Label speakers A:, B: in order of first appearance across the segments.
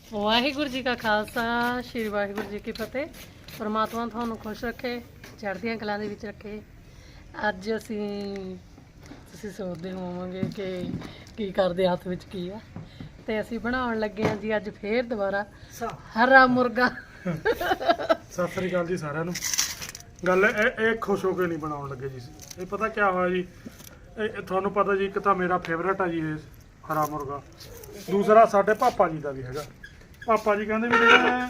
A: ਵਾਹਿਗੁਰੂ ਜੀ ਕਾ ਖਾਲਸਾ ਸ਼੍ਰੀ ਵਾਹਿਗੁਰੂ ਜੀ ਕੀ ਫਤਿਹ। ਪਰਮਾਤਮਾ ਤੁਹਾਨੂੰ ਖੁਸ਼ ਰੱਖੇ, ਚੜ੍ਹਦੀਆਂ ਕਲਾਂ ਦੇ ਵਿੱਚ ਰੱਖੇ। ਅੱਜ ਤੁਸੀਂ ਸੋਚਦੇ ਹੋਵੋਗੇ ਕਿ ਕੀ ਕਰਦੇ, ਹੱਥ ਵਿੱਚ ਕੀ ਆ, ਤੇ ਅਸੀਂ ਬਣਾਉਣ ਲੱਗੇ ਹਾਂ ਜੀ ਅੱਜ ਫੇਰ ਦੁਬਾਰਾ ਹਰਾ ਮੁਰਗਾ।
B: ਸਤਿ ਸ੍ਰੀ ਅਕਾਲ ਜੀ ਸਾਰਿਆਂ ਨੂੰ। ਗੱਲ ਇਹ ਖੁਸ਼ ਹੋ ਕੇ ਨਹੀਂ ਬਣਾਉਣ ਲੱਗੇ ਜੀ। ਇਹ ਪਤਾ ਕੀ ਹੋਇਆ ਜੀ, ਇਹ ਤੁਹਾਨੂੰ ਪਤਾ ਜੀ, ਇੱਕ ਤਾਂ ਮੇਰਾ ਫੇਵਰੇਟ ਆ ਜੀ ਇਹ ਹਰਾ ਮੁਰਗਾ, ਦੂਸਰਾ ਸਾਡੇ ਪਾਪਾ ਜੀ ਦਾ ਵੀ ਹੈਗਾ। ਪਾਪਾ ਜੀ ਕਹਿੰਦੇ ਵੀ ਜਿਹੜਾ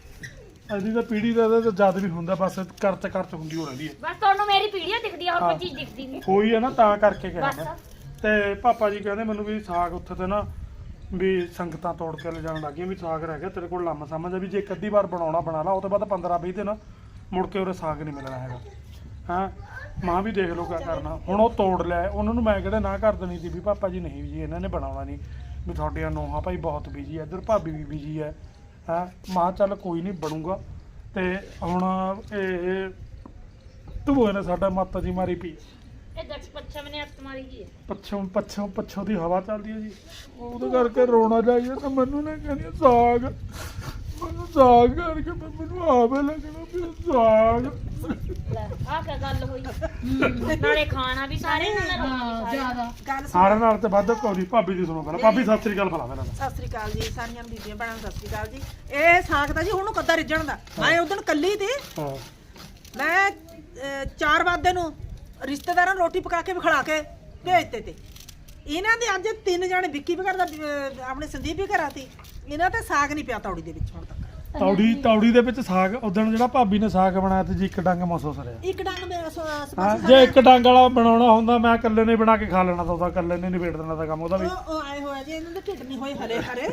B: ਇਹਦੀ ਤਾਂ ਪੀੜੀ ਦਾ ਤਾਂ ਜਦ ਵੀ ਹੁੰਦਾ, ਬਸ ਕਰਚ ਹੁੰਦੀ ਹੋ ਰਹਿੰਦੀ ਹੈ।
C: ਬਸ ਤੁਹਾਨੂੰ ਮੇਰੀ ਪੀੜੀਆਂ ਦਿਖਦੀ ਆ, ਹੋਰ ਕੋਈ ਚੀਜ਼ ਦਿਖਦੀ ਨਹੀਂ।
B: ਹੋਈ ਹੈ ਨਾ, ਤਾਂ ਕਰਕੇ ਕਹਿੰਦਾ। ਤੇ ਪਾਪਾ ਜੀ ਕਹਿੰਦੇ ਮੈਨੂੰ ਵੀ ਸਾਗ ਉੱਥੇ ਤੇ ਨਾ ਵੀ ਸੰਗਤਾਂ ਤੋੜ ਕੇ ਲਿਜਾਣ ਲੱਗੀਆਂ ਵੀ ਸਾਗ ਰਹਿ ਗਿਆ ਤੇਰੇ ਕੋਲ, ਲੰਮ ਸਮਝ ਆ ਵੀ ਜੇ ਇੱਕ ਅੱਧੀ ਵਾਰ ਬਣਾਉਣਾ ਬਣਾ ਲਾ, ਉਹ ਤੋਂ ਬਾਅਦ 15-20 ਦਿਨ ਮੁੜ ਕੇ ਉਹਦੇ ਸਾਗ ਨਹੀਂ ਮਿਲਣਾ ਹੈਗਾ। ਹਾਂ ਮਾਂ ਵੀ ਦੇਖ ਲਓ ਕਿਆ ਕਰਨਾ। ਹੁਣ ਉਹ ਤੋੜ ਲਿਆ, ਉਹਨਾਂ ਨੂੰ ਮੈਂ ਕਿਹੜੇ ਨਾ ਕਰ ਦੇਣੀ ਸੀ ਵੀ ਪਾਪਾ ਜੀ ਨਹੀਂ ਜੀ ਇਹਨਾਂ ਨੇ ਬਣਾਉਣਾ ਨਹੀਂ, ਵੀ ਤੁਹਾਡੀਆਂ ਨੋਹਾਂ ਭਾਈ ਬਹੁਤ ਬਿਜੀ ਹੈ, ਇੱਧਰ ਭਾਬੀ ਵੀ ਬਿਜੀ ਹੈ। ਹਾਂ ਮਾਂ ਚੱਲ ਕੋਈ ਨਹੀਂ ਬਣੂਗਾ। ਤੇ ਹੁਣ ਇਹ ਧੂਏ ਨੇ ਸਾਡਾ ਮਾਤਾ ਜੀ ਮਾਰੀ ਪਈ,
C: ਇਹ ਦਕਸ਼ ਪੱਛਮ ਨੇ ਹੱਥ ਮਾਰੀ ਜੀ।
B: ਪੱਛੋਂ ਦੀ ਹਵਾ ਚੱਲਦੀ ਹੈ ਜੀ, ਉਹਦੇ ਕਰਕੇ ਰੋਣਾ ਜਾਈਏ ਤਾਂ ਮੈਨੂੰ ਨਾ ਕਹਿੰਦੀ ਸਾਗ, ਮੈਨੂੰ ਸਾਗ ਕਰਕੇ ਮੈਨੂੰ ਆਵੇ ਲੱਗਣਾ ਵੀ ਸਾਗ।
C: ਆਹ ਕੀ ਗੱਲ ਹੋਈ, ਨਾਲੇ ਖਾਣਾ ਵੀ ਸਾਰੇ
A: ਜ਼ਿਆਦਾ
B: ਸਾਰਿਆਂ ਨਾਲ ਤੇ ਵੱਧ ਕੌਰੀ ਭਾਬੀ ਦੀ ਸੁਣੋ ਪਹਿਲਾਂ। ਭਾਬੀ ਸਤਿ ਸ੍ਰੀ ਅਕਾਲ ਬੁਲਾ ਮੇਰਾ।
D: ਸਤਿ ਸ੍ਰੀ ਅਕਾਲ ਜੀ ਸਾਰੀਆਂ ਬੀਬੀਆਂ ਭੈਣਾਂ ਨੂੰ ਸਤਿ ਸ੍ਰੀ ਅਕਾਲ ਜੀ। ਇਹ ਸਾਗ ਦਾ ਜੀ ਹੁਣ ਕੱਦਾ ਰਿੱਝਣ ਦਾ, ਮੈਂ ਉਦੋਂ ਕੱਲੀ ਤੇ
B: ਹਾਂ
D: ਮੈਂ 4 ਵਜੇ ਨੂੰ ਰਿਸ਼ਤੇਦਾਰਾਂ ਨੂੰ ਰੋਟੀ ਪਕਾ ਕੇ ਵਿਖਲਾ ਕੇ ਭੇਜਤੇ ਤੇ ਇਹਨਾਂ ਦੇ ਅੱਜ 3 ਜਣੇ ਵਿੱਕੀ ਵੀ ਕਰਦਾ, ਆਪਣੇ ਸੰਦੀਪ ਵੀ ਘਰਾਂ ਸੀ। ਇਹਨਾਂ ਤੇ ਸਾਗ ਨਹੀਂ ਪਿਆ ਤੌੜੀ ਦੇ ਵਿੱਚ ਹੁਣ ਤੱਕ।
B: ਤੌੜੀ ਦੇ ਵਿੱਚ ਸਾਗ ਉਦੋਂ ਜਿਹੜਾ ਭਾਬੀ ਨੇ ਸਾਗ ਬਣਾਇਆ ਤੇ ਜੀ ਇੱਕ ਡੰਗ ਮਸੋ ਸਰਿਆ।
D: ਇੱਕ ਡੰਗ ਮੇਰਾ
B: ਹਾਂ ਜੇ ਇੱਕ ਡੰਗ ਵਾਲਾ ਬਣਾਉਣਾ ਹੁੰਦਾ ਮੈਂ ਇਕੱਲੇ ਨੇ ਬਣਾ ਕੇ ਖਾ ਲੈਣਾ ਤਾਂ ਉਹਦਾ ਇਕੱਲੇ ਨੇ ਨਿਬੇੜ ਦੇਣਾ ਤਾਂ ਕੰਮ ਉਹਦਾ ਵੀ।
D: ਉਹ ਆਏ ਹੋਇਆ ਜੀ, ਇਹਨਾਂ ਦੇ ਢਿੱਡ ਨਹੀਂ ਹੋਏ ਹਰੇ ਹਰੇ।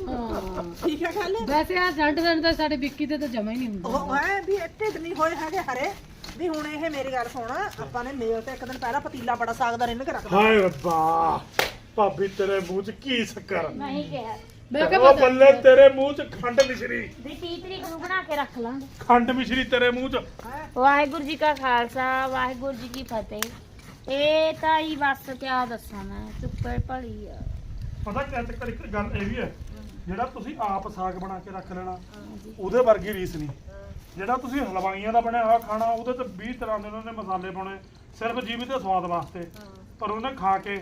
D: ਠੀਕ ਹੈ ਗੱਲ।
A: ਵੈਸੇ ਆ ਜੰਟ ਤਾਂ ਸਾਡੇ ਵਿੱਕੀ ਤੇ ਤਾਂ ਜਮਾ ਹੀ ਨਹੀਂ ਹੁੰਦਾ।
D: ਉਹ ਹੈ ਵੀ ਢਿੱਡ ਨਹੀਂ ਹੋਏ ਹੈਗੇ ਹਰੇ ਵੀ। ਹੁਣ ਇਹ ਮੇਰੀ ਗੱਲ ਸੁਣ, ਆਪਾਂ ਨੇ ਮੇਲ ਤੇ ਇੱਕ ਦਿਨ ਪਹਿਲਾਂ ਪਤੀਲਾ ਬੜਾ ਸਾਗ ਦਾ ਰਿੰਨ ਕੇ ਰੱਖਦਾ।
B: ਹਾਏ ਰੱਬਾ ਭਾਬੀ ਤੇਰੇ ਮੂੰਹ 'ਚ ਕੀ ਸ਼ੱਕਰ,
C: ਨਹੀਂ ਕਿਹਾ
A: ਮੈਂ ਕਿਹਾ
B: ਉਹ ਬੱਲੇ ਤੇਰੇ ਮੂੰਹ 'ਚ ਖੰਡ ਮਿਸ਼ਰੀ,
C: ਵੀ 30 ਤਰੀਕ ਨੂੰ ਬਣਾ ਕੇ ਰੱਖ ਲਾਂਗੇ।
B: ਖੰਡ ਮਿਸ਼ਰੀ ਤੇਰੇ ਮੂੰਹ 'ਚ।
C: ਵਾਹਿਗੁਰੂ ਜੀ ਕਾ ਖਾਲਸਾ ਵਾਹਿਗੁਰੂ ਜੀ ਕੀ ਫਤਿਹ। ਇਹ ਤਾਂ ਹੀ ਬਸ ਕਿਆ ਦੱਸਾਂ ਮੈਂ, ਚੁੱਪੇ ਭਲੀ ਆ।
B: ਪਤਾ ਕਿਆ ਚੱਕਰ, ਇੱਕ ਗੱਲ ਇਹ ਵੀ ਹੈ, ਜਿਹੜਾ ਤੁਸੀਂ ਆਪ ਸਾਗ ਬਣਾ ਕੇ ਰੱਖ ਲੈਣਾ ਉਹਦੇ ਵਰਗੀ ਰੀਸ ਨਹੀਂ। ਜਿਹੜਾ ਤੁਸੀਂ ਹਲਵਾਈਆਂ ਦਾ ਬਣਿਆ ਹੋਇਆ ਖਾਣਾ, ਉਹਦੇ ਤੇ 20 ਤਰ੍ਹਾਂ ਦੇ ਉਹਨਾਂ ਨੇ ਮਸਾਲੇ ਪਾਉਣੇ ਸਿਰਫ ਜੀਵੀ ਤੇ ਸਵਾਦ ਵਾਸਤੇ, ਪਰ ਉਹਨੇ ਖਾ ਕੇ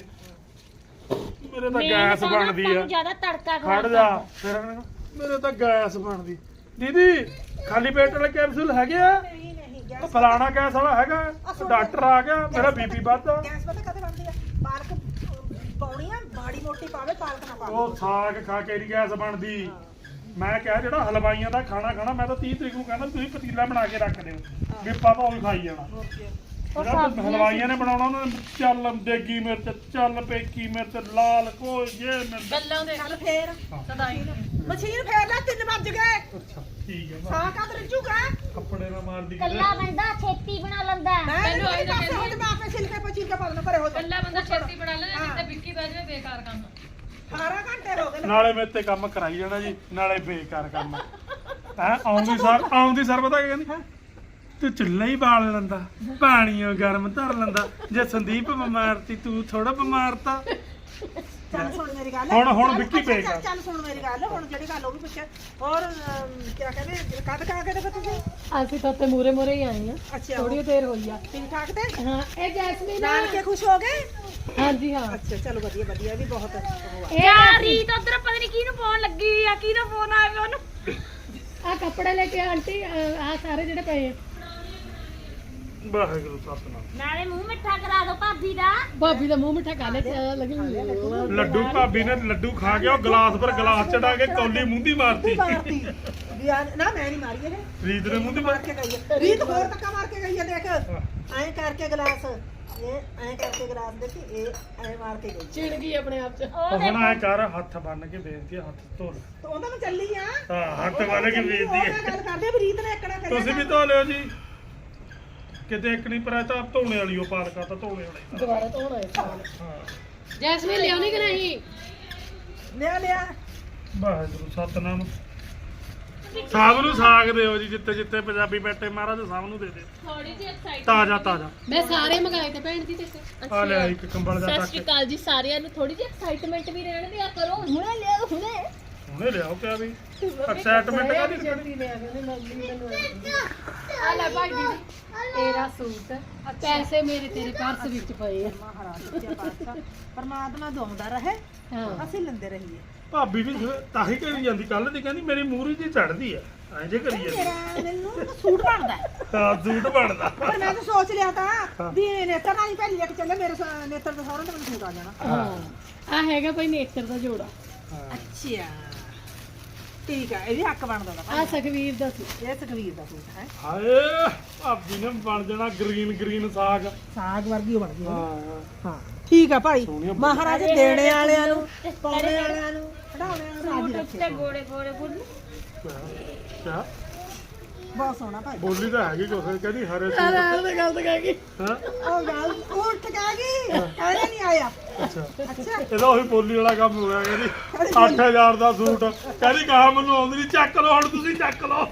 B: ਮੇਰੇ ਤਾਂ ਗੈਸ ਬਣਦੀ ਆ।
C: ਜ਼ਿਆਦਾ ਤੜਕਾ
B: ਖੜ ਜਾ ਫਿਰ ਮੇਰੇ ਤਾਂ ਗੈਸ ਬਣਦੀ। ਦੀਦੀ ਖਾਲੀ ਪੇਟ ਵਾਲੇ ਕੈਪਸੂਲ ਹੈਗੇ ਆ?
D: ਨਹੀਂ ਨਹੀਂ
B: ਉਹ ਫਲਾਣਾ ਗੈਸ ਵਾਲਾ ਹੈਗਾ, ਡਾਕਟਰ ਆ ਗਿਆ, ਮੇਰਾ ਬੀਪੀ ਵੱਧਦਾ।
D: ਗੈਸ ਪਤਾ ਕਦੇ ਬਣਦੀ ਆ? ਪਾਲਕ ਪਾਉਣੀ ਆ, ਮਾੜੀ ਮੋਟੀ ਪਾਵੇ, ਪਾਲਕ ਨਾ ਪਾਵੇ।
B: ਉਹ ਸਾਗ ਖਾ ਕੇ ਨਹੀਂ ਗੈਸ ਬਣਦੀ। ਮੈਂ ਕਿਹਾ ਜਿਹੜਾ ਹਲਵਾਈਆਂ ਦਾ ਖਾਣਾ ਖਾਣਾ, ਮੈਂ ਤਾਂ 30 ਤਰੀਕ ਨੂੰ ਕਹਿੰਦਾ ਤੁਸੀਂ ਪਤੀਲਾ ਬਣਾ ਕੇ ਰੱਖ ਦਿਓ ਵੀ ਪਾਪਾ ਉਹ ਖਾਈ ਜਾਣਾ। ਜਿਹੜਾ ਹਲਵਾਈਆਂ ਨੇ ਬਣਾਉਣਾ ਉਹਨਾਂ ਨੇ ਚੱਲ ਦੇਗੀ ਮਿਰਚ, ਚੱਲ ਪੇਕੀ ਮਿਰਚ, ਲਾਲ ਕੋਈ ਜੇ ਮਿਰਚ
A: ਗੱਲਾਂ ਦੇ
D: ਚੱਲ ਫੇਰ
A: ਸਦਾਈ
D: ਮਸ਼ੀਨ ਫੇਰ ਲੈ, 3 ਵੱਜ ਗਏ।
B: ਅੱਛਾ ਠੀਕ ਹੈ।
D: ਸਾਗ ਕਦ ਰਿੱਝੂਗਾ?
B: ਕੱਪੜੇ ਨਾ ਮਾਰਦੀ
C: ਕੱਲਾ ਬੰਦਾ ਛੇਤੀ ਬਣਾ ਲੈਂਦਾ।
D: ਮੈਂ
A: ਮੈਨੂੰ ਆਈ ਤਾਂ
D: ਪਾਸੇ ਹੋ ਜਾ, ਮੈਂ ਆਪੇ ਛਿਲਕੇ ਪਚੀ ਕੇ ਪਾ ਦੇਣਾ ਪਰੇ ਹੋ ਜਾ।
A: ਕੱਲਾ ਬੰਦਾ ਛੇਤੀ ਬਣਾ ਲੈਂਦਾ, ਜਿੱਤੇ ਵਿੱਕੀ ਬਹਿ ਜਾਵੇ ਬੇਕਾਰ ਕੰਮ।
D: 18 ਘੰਟੇ ਹੋ ਗਏ।
B: ਨਾਲੇ ਮੇਰੇ ਤੇ ਕੰਮ ਕਰਾਈ ਜਾਣਾ ਜੀ, ਨਾਲੇ ਬੇਕਾਰ ਕੰਮ ਹੈ। ਆਉਂਦੀ ਸਰ ਪਤਾ ਕੀ ਕਹਿੰਦੀ, ਤੂੰ ਚੁੱਲ੍ਹਾ ਹੀ ਬਾਲ ਲੈਂਦਾ, ਪਾਣੀਓ ਗਰਮ ਧਰ ਲੈਂਦਾ, ਜੇ ਸੰਦੀਪ ਬਿਮਾਰ ਤੀ ਤੂੰ ਥੋੜਾ ਬਿਮਾਰ ਤਾ।
D: ਚੱਲ ਸੁਣ ਮੇਰੀ ਗੱਲ।
B: ਹੁਣ ਵਿੱਕੀ
D: ਅੱਛਾ,
B: ਬੇਕਾਰ।
D: ਚੱਲ ਸੁਣ ਮੇਰੀ ਗੱਲ। ਹੁਣ ਜਿਹੜੀ ਗੱਲ ਉਹ ਵੀ ਪੁੱਛਿਆ, ਹੋਰ ਕਿਆ ਕਹਿੰਦੇ ਕਦ ਕਾ ਕੇ ਦੇਖੋ ਤੁਸੀਂ?
A: ਅਸੀਂ ਤਾਂ ਉੱਤੇ ਮੂਰੇ ਹੀ ਆਏ ਆ,
D: ਅੱਛਾ
A: ਥੋੜੀ ਦੇਰ ਹੋਈ ਆ।
D: ਠੀਕ ਠਾਕ ਤੇ
A: ਹਾਂ ਇਹ ਜੈਸਮੀਨ
D: ਨਾਨ ਕੇ ਖੁਸ਼ ਹੋ ਗਏ?
A: ਹਾਂਜੀ ਹਾਂ।
D: ਅੱਛਾ ਚਲੋ ਵਧੀਆ ਵਧੀਆ, ਵੀ ਬਹੁਤ ਉਹ ਆ।
C: ਯਾਰ ਰੀਤ ਉਧਰ ਪਤਾ ਨਹੀਂ ਕਿਹਨੂੰ ਫੋਨ ਲੱਗੀ ਆ, ਕਿਹਦਾ ਫੋਨ ਆਇਆ ਉਹਨੂੰ।
A: ਆ ਕੱਪੜੇ ਲੈ ਕੇ ਆਂਟੀ, ਆ ਸਾਰੇ ਜਿਹੜੇ ਪਏ ਆ
B: ਵਾਹਿਗੁਰੂ ਸਤਨਾਮ।
C: ਨਾਲੇ ਮੂੰਹ ਮਿੱਠਾ ਕਰਾ ਦੋ ਭਾਬੀ ਦਾ।
A: ਭਾਬੀ ਦਾ ਮੂੰਹ ਮਿੱਠਾ ਕਰ ਲੈ ਲੱਗੀ
B: ਲੱਡੂ ਭਾਬੀ ਨੇ ਲੱਡੂ ਖਾ ਕੇ ਉਹ ਗਲਾਸ ਪਰ ਗਲਾਸ ਚੜਾ ਕੇ ਕੌਲੀ ਮੂੰਹਦੀ ਮਾਰਤੀ।
D: ਮਾਰਤੀ ਵੀ ਆ ਨਾ, ਮੈਂ ਨਹੀਂ ਮਾਰੀ ਇਹ,
B: ਰੀਤ ਨੇ ਮੂੰਹਦੀ
D: ਮਾਰ ਕੇ ਗਈ ਹੈ। ਰੀਤ ਹੋਰ ਧੱਕਾ ਮਾਰ ਕੇ ਗਈ ਹੈ। ਦੇਖ ਐਂ ਕਰਕੇ ਗਲਾਸ, ਇਹ ਐਂ ਕਰਕੇ ਗਲਾਸ ਦੇਖੀ, ਇਹ ਐਂ ਮਾਰ ਕੇ ਗਈ।
A: ਚਿੜ ਗਈ ਆਪਣੇ ਆਪ ਚ।
C: ਉਹ
B: ਹੁਣ ਐ ਕਰ, ਹੱਥ ਬੰਨ ਕੇ ਬੇਨਤੀ ਹੈ, ਹੱਥ ਧੋ ਲੈ।
D: ਤਾਂ ਉਹਦਾ ਮੈਂ ਚੱਲੀ ਆ।
B: ਹਾਂ ਹੱਥ ਬੰਨ ਕੇ ਬੇਨਤੀ
D: ਉਹ
B: ਹੈ।
D: ਮੈਂ ਗੱਲ ਕਰਦੇ ਆ ਵੀ ਰੀਤ ਨੇ ਇੱਕਣਾ ਕਰਿਆ।
B: ਤੁਸੀਂ ਵੀ ਧੋ ਲਿਓ ਜੀ, ਕਿਤੇ ਇੱਕ ਨਹੀਂ ਪਰ ਤਾਂ ਧੋਣੇ ਵਾਲੀ ਉਹ ਪਾਲਕਾ ਤਾਂ ਧੋਣੇ ਵਾਲੀ।
A: ਦੁਬਾਰਾ ਧੋਣਾ ਹੈ ਸਾਲ।
B: ਹਾਂ
A: ਜੈਸਮੀਨ ਲਿਆਉਣੀ ਕਿ ਨਹੀਂ?
D: ਲਿਆ
B: ਵਾਹਿਗੁਰੂ ਸਤਨਾਮ। ਸਭ ਨੂੰ ਸਾਗ ਦਿਓ ਜੀ, ਜਿੱਤੇ ਜਿੱਤੇ ਪੰਜਾਬੀ ਬੈਠੇ ਮਹਾਰਾਜ ਸਭ ਨੂੰ ਦੇ ਦੇ
C: ਥੋੜੀ ਜਿਹੀ ਐਕਸਾਈਟ।
B: ਤਾਜ਼ਾ।
A: ਮੈਂ ਸਾਰੇ ਮੰਗਾਏ ਤੇ ਭੈਣ ਜੀ ਤੇ।
B: ਆ ਲਿਆ ਇੱਕ ਕੰਬਲ ਦਾ
C: ਸਤਿ
B: ਟੱਕ।
C: ਸ਼੍ਰੀ ਅਕਾਲ ਜੀ ਸਾਰਿਆਂ ਨੂੰ। ਥੋੜੀ ਜਿਹੀ ਐਕਸਾਈਟਮੈਂਟ ਵੀ ਰਹਿਣ ਦਿਆ ਕਰੋ। ਹੁਣੇ ਲਿਆਓ ਹੁਣੇ।
B: ਉਹਨੇ ਲਿਆਓ ਕਿਹਾ ਵੀ ਐਕਸਾਈਟਮੈਂਟ ਕਾਹਦੀ
A: ਛੇਤੀ ਲਿਆ ਕਹਿੰਦੇ ਮੰਮੀ ਮੈਨੂੰ ਆ ਲੈ ਭਾਈ ਦੀਦੀ ਤੇਰਾ ਸੂਟ ਪੈਸੇ ਮੇਰੇ ਤੇਰੇ ਪਰਸ ਵਿੱਚ ਪਏ ਆ
D: ਮਹਾਰਾਜ ਸੱਚਾ ਪਾਤਸ਼ਾਹ ਪਰਮਾਤਮਾ ਦੋਂਦਾ ਰਹੇ
A: ਹਾਂ
D: ਅਸੀਂ ਲੈਂਦੇ ਰਹੀਏ
B: ਭਾਬੀ ਵੀ ਤਾਂ ਹੀ ਕਰੀ ਜਾਂਦੀ ਕੱਲ ਦੀ ਕਹਿੰਦੀ ਮੇਰੀ ਮੂਰੀ ਜੀ ਚੜਦੀ ਆ ਐਂ ਜੇ ਕਰੀ ਜਾਂਦੀ
D: ਮੇਰਾ ਮੈਨੂੰ ਸੂਟ ਬਣਦਾ ਹੈ।
B: ਹਾਂ ਸੂਟ ਬਣਦਾ
D: ਪਰ ਮੈਂ ਤਾਂ ਸੋਚ ਲਿਆ ਤਾਂ ਵੀ ਨੇਤਰ ਨਾਲ ਹੀ ਭੈਣੀ ਲੈ ਕੇ ਚੱਲੇ ਮੇਰੇ ਨੇਤਰ ਦੇ ਸਹੁਰੇ ਤੇ ਮੈਨੂੰ ਸੂਟ ਆ ਜਾਣਾ
A: ਹਾਂ ਆ ਹੈਗਾ ਭਾਈ ਨੇਤਰ ਦਾ ਜੋੜਾ
D: ਅੱਛਾ ਠੀਕ ਹੈ ਇਹ ਵੀ ਹੱਕ ਬਣਦਾ ਦਾ
A: ਆ ਸੁਖਵੀਰ ਦਾ ਸੀ
D: ਇਹ ਸੁਖਵੀਰ ਦਾ ਸੂਟ ਹੈ
B: ਹਾਏ ਭਾਬੀ ਨੇ ਬਣ ਜਾਣਾ ਗ੍ਰੀਨ ਸਾਗ
D: ਸਾਗ ਵਰਗੀ ਉਹ ਬਣ ਗਈ
B: ਹਾਂ
D: ਹਾਂ ਠੀਕ ਆ ਭਾਈ
B: ਸੋਹਣੀਆਂ
D: ਮਹਾਰਾਜ ਦੇਣੇ ਵਾਲਿਆਂ ਨੂੰ ਪਾਉਣੇ ਵਾਲਿਆਂ ਨੂੰ ਖੜਾਉਣੇ ਵਾਲਿਆਂ ਨੂੰ ਰਾਜੀ
C: ਤੇ
D: ਰੱਖੇ
C: ਗੋੜੇ ਗੋੜੇ ਬੁੱਲ
B: ਕਿਆ
D: ਬਹੁਤ ਸੋਹਣਾ ਭਾਈ
B: ਬੋਲੀ ਤਾਂ ਹੈਗੀ ਕੁਛ ਕਹਿੰਦੀ ਹਰੇ ਸੂਟ
A: ਉਹਦੇ ਗੱਲ ਤਾਂ ਕਹਿ ਗਈ
B: ਹਾਂ
D: ਉਹ ਗੱਲ ਉੱਠ ਕਹਿ ਗਈ ਕਹਿੰਦੇ ਨਹੀਂ ਆਇਆ
B: ਅੱਛਾ
D: ਅੱਛਾ
B: ਇਹਦਾ ਉਹੀ ਬੋਲੀ ਵਾਲਾ ਕੰਮ ਹੋ ਗਿਆ ਕਹਿੰਦੀ 8000 ਦਾ ਸੂਟ ਕਹਿੰਦੀ ਕਹਾ ਮੈਨੂੰ ਆਉਂਦੀ ਨਹੀਂ ਚੱਕ ਲਓ ਹੁਣ ਤੁਸੀਂ ਚੱਕ ਲਓ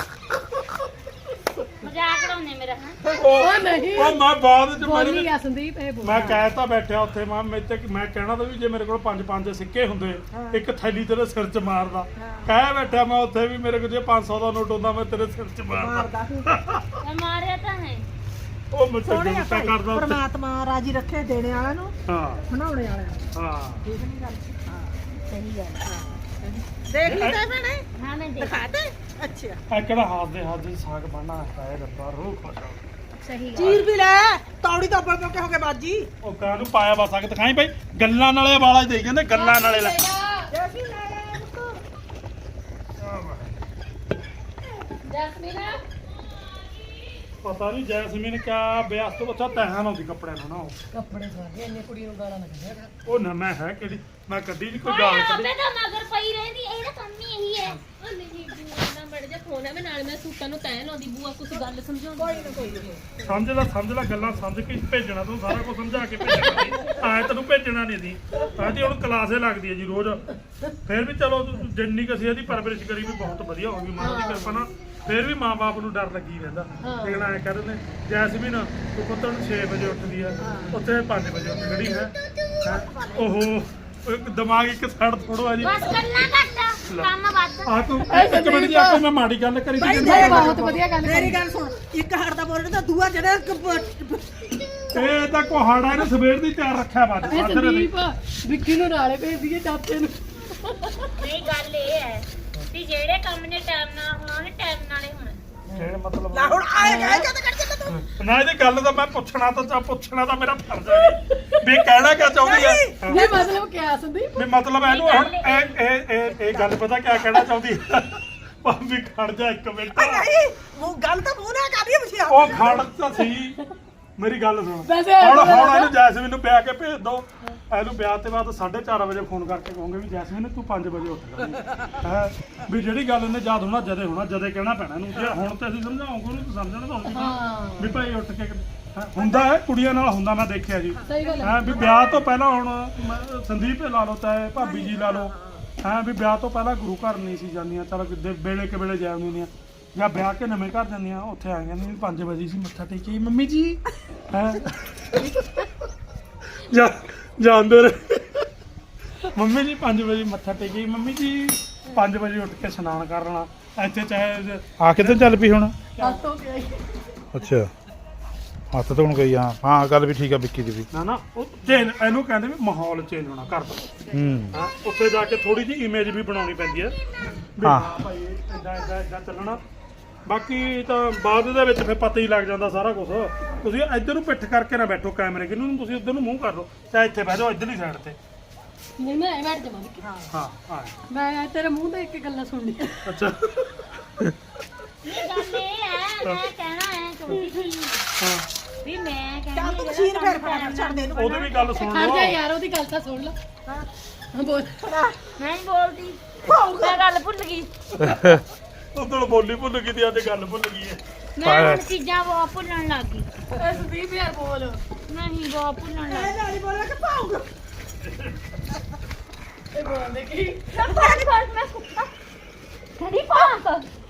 C: ਮਜ਼ਾਕ ਉਡਾਉਂਦੇ ਮੇਰਾ ਹਾਂ
B: ਉਹ
A: ਨਹੀਂ
B: ਉਹ ਮੈਂ ਬਾਅਦ ਚ
A: ਬੋਲੀ
B: ਮੇਰੇ
A: ਆ ਸੰਦੀਪ ਇਹ ਬੋਲ
B: ਮੈਂ ਕਹਿ ਤਾਂ ਬੈਠਿਆ ਉੱਥੇ ਮੈਂ ਕਹਿਣਾ ਤਾਂ ਵੀ ਜੇ ਮੇਰੇ ਕੋਲ 5-5 ਸਿੱਕੇ ਹੁੰਦੇ ਇੱਕ ਥੈਲੀ ਤੇਰੇ ਸਿਰ 'ਚ ਮਾਰਦਾ ਕਹਿ ਬੈਠਾ ਮੈਂ ਉੱਥੇ ਵੀ ਮੇਰੇ ਕੋਲ ਜੇ 500 ਦਾ ਨੋਟ ਹੁੰਦਾ ਮੈਂ ਤੇਰੇ ਸਿਰ 'ਚ ਮਾਰਦਾ
D: ਮਾਰਦਾ
C: ਮੈਂ ਮਾਰਿਆ ਤਾਂ ਹੈ
B: ਉਹ ਮੈਂ
D: ਸੋਹਣੇ ਆ
B: ਚੰਗਾ
D: ਭਾਈ
B: ਕਰਦਾ ਉੱਥੇ
D: ਪਰਮਾਤਮਾ ਰਾਜੀ ਰੱਖੇ ਦੇਣੇ ਵਾਲਿਆਂ ਨੂੰ
B: ਹਾਂ
D: ਬਣਾਉਣੇ ਵਾਲਿਆਂ ਨੂੰ
B: ਹਾਂ
D: ਠੀਕ ਨਹੀਂ ਗੱਲ ਹਾਂ ਸਹੀ ਗੱਲ ਹਾਂ ਦੇਖ ਲਈ ਤਾਂ ਭੈਣੇ
C: ਹਾਂ ਮੈਂ ਦੇਖ
D: ਦਿਖਾ ਦੇ ਅੱਛਾ
B: ਆ ਕਿਹੜਾ ਹੱਥ ਦੇ ਸਾਗ ਬਣਨਾ ਹੈ ਰੱਬਾ ਰੂਹ ਖੁਸ਼ ਹੋ
C: ਸਹੀ ਗੱਲ
D: ਚੀਰ ਵੀ ਲੈ ਤੌੜੀ ਤੋਂ ਉੱਪਰ ਕਿਉਂ ਹੋ ਗਏ ਬਾਜੀ
B: ਉਹ ਕਾਹਨੂੰ ਪਾਇਆ ਵਾ ਸਾਗ ਦਿਖਾਈ ਭਾਈ ਗੱਲਾਂ ਨਾਲੇ ਵਾਲਾ ਦੇਈ ਜਾਂਦੇ ਗੱਲਾਂ ਨਾਲੇ ਲੈ
D: ਜੈਸੀ ਲੈ
A: ਜਸਮੀਨਾ
B: ਪਤਾ ਨਹੀਂ ਜੈਸਮੀਨ ਕਿਆ ਵਿਆਸ ਤੋਂ ਅੱਛਾ ਤਹਾਂ ਲਾਉਂਦੀ ਕੱਪੜਿਆਂ ਨੂੰ ਨਾ ਉਹ।
A: ਕੱਪੜੇ ਸਵਾਗੇ ਇੰਨੇ ਕੁੜੀ ਨੂੰ ਗਾਲਾਂ ਨਾ ਕੱਢਿਆ ਕਰ
B: ਉਹ ਨਾ ਮੈਂ ਹੈ ਕਿਹੜੀ ਮੈਂ ਕੱਢੀ ਨਹੀਂ ਕੋਈ ਗਾਲ ਕੱਢੀ
C: ਆਪੇ ਤਾਂ ਮਗਰ ਪਈ ਰਹਿੰਦੀ ਇਹਦਾ ਕੰਮ ਹੀ ਇਹੀ ਹੈ
E: ਨਹੀਂ ਬੂਆ ਦਾ ਬੜ ਜਾ ਫੋਨ ਹੈ ਮੈਂ ਨਾਲ ਮੈਂ ਸੂਟਾਂ ਨੂੰ ਤੈਅ ਲਾਉਂਦੀ ਬੂਆ ਕੁਝ ਗੱਲ ਸਮਝਾਉਂਦੀ
B: ਸਮਝ ਲੈ ਗੱਲਾਂ ਸਮਝ ਕੇ ਭੇਜਣਾ ਤੂੰ ਸਾਰਾ ਕੁਝ ਸਮਝਾ ਕੇ ਭੇਜਣਾ ਆਏ ਤੈਨੂੰ ਭੇਜਣਾ ਨਹੀਂ ਦੀ ਆਦੀ ਹੁਣ ਕਲਾਸੇ ਲੱਗਦੀ ਹੈ ਜੀ ਰੋਜ਼ ਫਿਰ ਵੀ ਚਲੋ ਜਿੰਨੀ ਕੁ ਅਸੀਂ ਇਹਦੀ ਪਰਵਰਿਸ਼ ਕਰੀ ਵੀ ਬਹੁਤ ਵਧੀਆ ਹੋ ਗਈ ਮਾਂ ਦੀ ਕਿਰਪਾ ਨਾਲ ਫਿਰ ਵੀ ਮਾਂ-ਬਾਪ ਨੂੰ ਡਰ ਲੱਗੀ ਰਹਿੰਦਾ ਲੇਕਿਨ ਐ ਕਹਿ ਦਿੰਦੇ ਜੈਸਮੀਨ ਤੂੰ ਪੁੱਤ ਨੂੰ 6 ਵਜੇ ਉੱਠਦੀ ਆ ਉੱਥੇ 5 ਵਜੇ ਉੱਠ ਖੜੀ ਹੈ ਓਹੋ ਇੱਕ ਦਿਮਾਗ ਇੱਕ ਸਾਈਡ ਥੋੜੋ ਆ ਜੀ
C: ਬਸ ਗੱਲਾਂ ਘੱਟ ਕੰਮ ਵੱਧ
B: ਆ ਤੂੰ ਇੱਕ ਮਿੰਟ ਜੀ ਆਪੇ ਮੈਂ ਮਾੜੀ ਗੱਲ ਕਰੀ
D: ਭਾਈ
B: ਸੀ
D: ਦੇਖ
A: ਬਹੁਤ ਵਧੀਆ ਗੱਲ
D: ਮੇਰੀ ਗੱਲ ਸੁਣ ਇੱਕ ਹੱਟ ਦਾ ਬੋਲਣਾ ਤਾਂ ਦੂਆ ਜਿਹੜਾ
B: ਇਹ ਤਾਂ ਕੋਹਾੜਾ ਇਹਨੇ ਸਵੇਰ ਦੀ ਤਿਆਰ ਰੱਖਿਆ ਬਾਅਦ
A: ਇਹ ਸੰਦੀਪ ਵਿੱਕੀ ਨੂੰ ਨਾਲੇ ਭੇਜ ਦਈਏ ਚਾਚੇ ਨੂੰ
C: ਨਹੀਂ ਗੱਲ ਇਹ ਹੈ ਕਿ ਜਿਹੜੇ ਕੰਮ ਨੇ ਟਾਈਮ ਨਾਲ ਹੋਣਾ ਉਹਨੇ ਟਾਈਮ ਨਾਲ ਹੀ ਹੋਣਾ
B: ਇਹ ਮਤਲਬ
D: ਲਾ ਹੁਣ ਆਏਗਾ ਜਦ ਕੱਢ ਕੇ ਤੂੰ
B: ਨਾ ਇਹਦੀ ਗੱਲ ਤਾਂ ਮੈਂ ਪੁੱਛਣਾ ਤਾਂ ਮੇਰਾ ਫਰਜ਼ ਹੈ ਵੀ ਕਹਿਣਾ ਕਿਆ ਚਾਹੁੰਦੀ ਹੈ
A: ਨਹੀਂ ਮਤਲਬ ਕਿਆ ਸੰਦੀਪ
B: ਵੀ ਮਤਲਬ ਇਹਨੂੰ ਹੁਣ ਇਹ ਗੱਲ ਪਤਾ ਕਿਆ ਕਹਿਣਾ ਚਾਹੁੰਦੀ ਹੈ ਭਾਵੇਂ ਖੜ ਜਾ ਇੱਕ ਮਿੰਟ
D: ਨਹੀਂ ਉਹ ਗੱਲ ਤਾਂ ਮੂੰਹ ਨਾਲ ਕਰ ਰਹੀ ਹੈ ਤੁਸੀਂ
B: ਉਹ ਖੜ ਤਾਂ ਸਹੀ ਮੇਰੀ ਗੱਲ ਸੁਣ
A: ਵੈਸੇ
B: ਹੁਣ ਇਹਨੂੰ ਜੈਸਮੀਨ ਨੂੰ ਵਿਆਹ ਕੇ ਭੇਜ ਦੋ ਇਹਨੂੰ ਵਿਆਹ ਤੇ ਬਾਅਦ 4:30 ਵਜੇ ਫੋਨ ਕਰਕੇ ਕਹੋਗੇ ਵੀ ਜੈਸਮੀਨ ਤੂੰ 5 ਵਜੇ ਉੱਠ ਹੈ ਵੀ ਜਿਹੜੀ ਗੱਲ ਇਹਨੇ ਯਾਦ ਹੋਣਾ ਜਦੇ ਕਹਿਣਾ ਪੈਣਾ ਇਹਨੂੰ ਜੇ ਹੁਣ ਤੇ ਅਸੀਂ ਸਮਝਾਉਂਗੇ ਉਹਨੂੰ ਤਾਂ ਸਮਝਣਾ ਤਾਂ ਹੋਊਗਾ
A: ਹਾਂ
B: ਵੀ ਭਾਈ ਉੱਠ ਕੇ ਹੁੰਦਾ ਹੈ ਕੁੜੀਆਂ ਨਾਲ ਹੁੰਦਾ ਮੈਂ ਦੇਖਿਆ ਜੀ
A: ਸਹੀ ਗੱਲ ਹੈ
B: ਹਾਂ ਵੀ ਵਿਆਹ ਤੋਂ ਪਹਿਲਾਂ ਹੁਣ ਸੰਦੀਪ ਲਾ ਲਓ ਚਾਹੇ ਭਾਬੀ ਜੀ ਲਾ ਲਓ ਹਾਂ ਵੀ ਵਿਆਹ ਤੋਂ ਪਹਿਲਾਂ ਗੁਰੂ ਘਰ ਨਹੀਂ ਸੀ ਜਾਂਦੀਆਂ ਚਲੋ ਵੇਲੇ ਕੇ ਵੇਲੇ ਜਾ ਆਉਂਦੀਆਂ ਜਾਂ ਵਿਆਹ ਕੇ ਨਵੇਂ ਘਰ ਜਾਂਦੀਆਂ ਉੱਥੇ ਆ ਜਾਂਦੀਆਂ 5 ਵਜੇ ਸੀ ਮੱਥਾ ਟੇਕੀ ਮੰਮੀ ਜੀ ਹੈ ਜਾਂਦੇ ਰਹੇ ਮੰਮੀ ਜੀ 5 ਵਜੇ ਮੱਥਾ ਟੇਕੀ ਮੰਮੀ ਜੀ 5 ਵਜੇ ਉੱਠ ਕੇ ਇਸ਼ਨਾਨ ਕਰਨਾ ਇੱਥੇ ਚਾਹੇ
F: ਆ ਕਿੱਧਰ ਚੱਲ ਪਈ ਹੁਣ
A: ਹੱਥ ਹੋ ਗਿਆ
F: ਅੱਛਾ ਹੱਥ ਧੋਣ ਗਈ ਹਾਂ ਗੱਲ ਵੀ ਠੀਕ ਆ ਵਿੱਕੀ ਦੀ ਵੀ
B: ਨਾ ਉਹ ਚੇਂਜ ਇਹਨੂੰ ਕਹਿੰਦੇ ਵੀ ਮਾਹੌਲ ਚੇਂਜ ਹੋਣਾ ਘਰ ਦਾ ਹਾਂ ਉੱਥੇ ਜਾ ਕੇ ਥੋੜੀ ਜਿਹੀ ਇਮੇਜ ਵੀ ਬਣਾਉਣੀ ਪੈਂਦੀ ਹੈ ਵੀ
F: ਹਾਂ।
B: ਭਾਈ ਇਦਾਂ ਚੱਲਣਾ ਬਾਕੀ ਤਾਂ ਬਾਅਦ ਦੇ ਵਿੱਚ ਫਿਰ ਪਤਾ ਹੀ ਲੱਗ ਜਾਂਦਾ ਸਾਰਾ ਕੁਝ ਤੁਸੀਂ ਇੱਧਰ ਨੂੰ ਪਿੱਠ ਕਰਕੇ ਨਾ ਬੈਠੋ ਕੈਮਰੇ ਕਿਨੂੰ ਨੂੰ ਤੁਸੀਂ ਉੱਧਰ ਨੂੰ ਮੂੰਹ ਕਰ ਲਓ ਚਾਹੇ ਇੱਥੇ ਬਹਿ ਜਾਓ ਇੱਧਰਲੀ ਸਾਈਡ ਤੇ
A: ਨਹੀਂ ਮੈਂ ਐ ਬੈਠ ਜਾਵਾਂ
B: ਹਾਂ ਹਾਂ
A: ਮੈਂ ਤੇਰੇ ਮੂੰਹ ਤੋਂ ਇੱਕ ਗੱਲਾਂ ਸੁਣ ਲਈ
B: ਅੱਛਾ
C: ਇਹ ਗੱਲ ਇਹ ਹੈ ਮੈਂ ਕਹਿਣਾ ਹੈ ਛੋਟੀ ਜਿਹੀ
B: ਹਾਂ
C: ਵੀ ਮੈਂ
D: ਚੱਲ
C: ਕਹਿੰਦੀ
D: ਤੂੰ ਮਸ਼ੀਨ ਫੇਰ ਪੈਰ ਛੱਡ ਦੇ ਇਹਨੂੰ
B: ਉਹਦੀ ਵੀ ਗੱਲ ਸੁਣ
A: ਖੜ ਜਾ
B: ਲਓ
A: ਯਾਰ ਉਹਦੀ ਗੱਲ ਤਾਂ ਸੁਣ ਲੈ ਹਾਂ ਬੋਲ
C: ਮੈਂ ਨਹੀਂ ਬੋਲਦੀ ਮੈਂ ਗੱਲ ਭੁੱਲ ਗਈ
B: ਉਦੋਂ ਬੋਲੀ ਭੁੱਲ ਗਈ ਤੇ ਅੱਜ ਗੱਲ ਭੁੱਲ ਗਈ ਹੈ
C: ਮੈਂ ਹੁਣ ਚੀਜ਼ਾਂ ਬਹੁਤ ਭੁੱਲਣ ਲੱਗ ਗਈ
A: ਐ ਸੰਦੀਪ ਯਾਰ ਬੋਲ
C: ਨਹੀਂ ਬਹੁਤ ਭੁੱਲਣ ਲੱਗ
D: ਇਹ ਨਾਲ ਹੀ ਬੋਲਿਆ ਕਿ ਪਾਉਂਗਾ
A: ਇਹ ਬੋਲਦੇ ਕੀ
C: ਗਈ ਕਦੀ ਪਾਉਂਗਾ